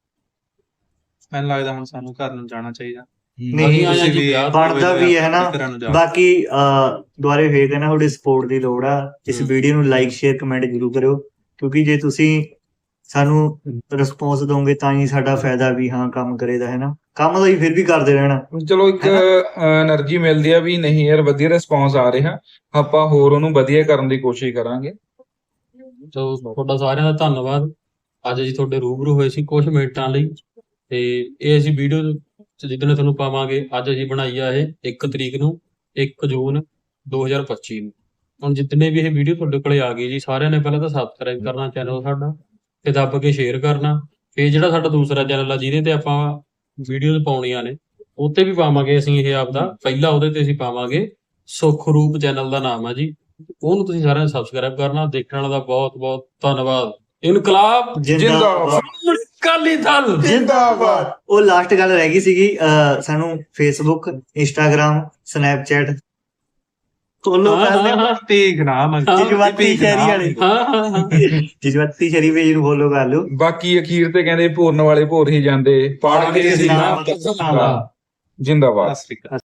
ਮੈਨੂੰ ਲੱਗਦਾ ਹੁਣ ਸਾਨੂੰ ਘਰ ਨੂੰ ਜਾਣਾ ਚਾਹੀਦਾ। ਨਹੀਂ, ਅਸੀਂ ਆਏ ਆ ਤੁਸੀਂ ਜੀ ਵੀ ਵਿਆਹ ਤੋਂ ਬਣਦਾ ਵੀ ਹੈ ਨਾ। ਘਰਾਂ ਨੂੰ ਜਾਓ। ਬਾਕੀ ਅਹ ਦੁਆਰੇ ਫੇਰ ਕਹਿੰਦਾ ਤੁਹਾਡੀ ਸਪੋਰਟ ਦੀ ਲੋੜ ਆ। ਇਸ ਹਮ। ਵੀਡੀਓ ਨੂੰ ਲਾਈਕ ਸ਼ੇਅਰ ਕਮੈਂਟ ਜ਼ਰੂਰ ਕਰਿਓ, ਕਿਉਂਕਿ ਜੇ ਤੁਸੀਂ ਸਾਨੂੰ ਰਿਸਪੌਂਸ ਦੋਗੇ ਤਾਂ ਹੀ ਸਾਡਾ ਫਾਇਦਾ ਵੀ ਹਾਂ ਕੰਮ ਕਰੇਦਾ ਹੈ ਨਾ। ਕੰਮ ਤਾਂ ਹੀ ਫਿਰ ਵੀ ਕਰਦੇ ਰਹਿਣਾ। ਚਲੋ ਇੱਕ એનર્ਜੀ ਮਿਲਦੀ ਆ ਵੀ ਨਹੀਂ ਯਾਰ ਵਧੀਆ ਰਿਸਪੌਂਸ ਆ ਰਿਹਾ, ਆਪਾਂ ਹੋਰ ਉਹਨੂੰ ਵਧੀਆ ਕਰਨ ਦੀ ਕੋਸ਼ਿਸ਼ ਕਰਾਂਗੇ। ਸੋ ਤੁਹਾਡਾ ਸਾਰਿਆਂ ਦਾ ਧੰਨਵਾਦ। ਅੱਜ ਅਸੀਂ ਤੁਹਾਡੇ ਰੂਬਰੂ ਹੋਏ ਸੀ ਕੁਝ ਮਿੰਟਾਂ ਲਈ, ਤੇ ਇਹ ਅਸੀਂ ਵੀਡੀਓ ਜਿੱਦਣ ਤੁਹਾਨੂੰ ਪਾਵਾਂਗੇ। ਅੱਜ ਅਸੀਂ ਬਣਾਈ ਆ ਇਹ ਇੱਕ ਤਰੀਕ ਨੂੰ, ਇੱਕ ਜੂਨ ਦੋ ਹਜ਼ਾਰ ਪੱਚੀ ਨੂੰ। ਹੁਣ ਜਿੰਨੇ ਵੀ ਇਹ ਵੀਡੀਓ ਤੁਹਾਡੇ ਕੋਲੇ ਆ ਗਈ ਜੀ, ਸਾਰਿਆਂ ਨੇ ਪਹਿਲਾਂ ਤਾਂ ਸਬਸਕ੍ਰਾਈਬ ਕਰਨਾ ਚੈਨਲ ਸਾਡਾ, ਤੇ ਦੱਬ ਕੇ ਸ਼ੇਅਰ ਕਰਨਾ। ਫਿਰ ਜਿਹੜਾ ਸਾਡਾ ਦੂਸਰਾ ਚੈਨਲ ਆ ਜਿਹਦੇ ਤੇ ਆਪਾਂ ਵੀਡੀਓਜ਼ ਪਾਉਣੀਆਂ ਨੇ, ਉੱਤੇ ਵੀ ਪਾਵਾਂਗੇ ਅਸੀਂ ਇਹ ਆਪਦਾ। ਪਹਿਲਾਂ ਉਹਦੇ ਤੇ ਅਸੀਂ ਪਾਵਾਂਗੇ ਸੁਖਰੂਪ ਚੈਨਲ ਦਾ ਨਾਮ ਆ ਜੀ, ਉਹਨੂੰ ਤੁਸੀਂ ਸਾਰਿਆਂ ਨੇ ਸਬਸਕ੍ਰਾਈਬ ਕਰਨਾ। ਦੇਖਣ ਦਾ ਬਹੁਤ ਬਹੁਤ ਧੰਨਵਾਦ। ਇਨਕਲਾਬ ਜਿੰਦਾਬਾਦ ਅਕਾਲੀ ਦਲ ਜਿੰਦਾਬਾਦ। ਉਹ ਲਾਸਟ ਗੱਲ ਰਹਿ ਗਈ ਸੀਗੀ, ਅਹ ਸਾਨੂੰ ਫੇਸਬੁੱਕ, ਇੰਸਟਾਗ੍ਰਾਮ, ਸਨੈਪਚੈਟ ਫੋਲੋ ਕਰ ਲਿਓ ਪੇਜ ਨਾਮ ਹੈ ਜਜ਼ਬਾਤੀ ਸ਼ਹਿਰੀ ਵਾਲੇ ਹਾਂ ਹਾਂ ਹਾਂ ਜਜ਼ਬਾਤੀ ਸ਼ਹਿਰੀ ਪੇਜ ਨੂੰ ਫੋਲੋ ਕਰ ਲਿਓ। ਬਾਕੀ ਅਖੀਰ ਤੇ ਕਹਿੰਦੇ ਭੋਰਨ ਵਾਲੇ ਭੋਰ ਹੀ ਜਾਂਦੇ, ਪੜ ਕੇ ਸੀ ਨਾਮ ਜਿੰਦਾਬਾਦ। ਸਤਿ ਸ਼੍ਰੀ ਅਕਾਲ।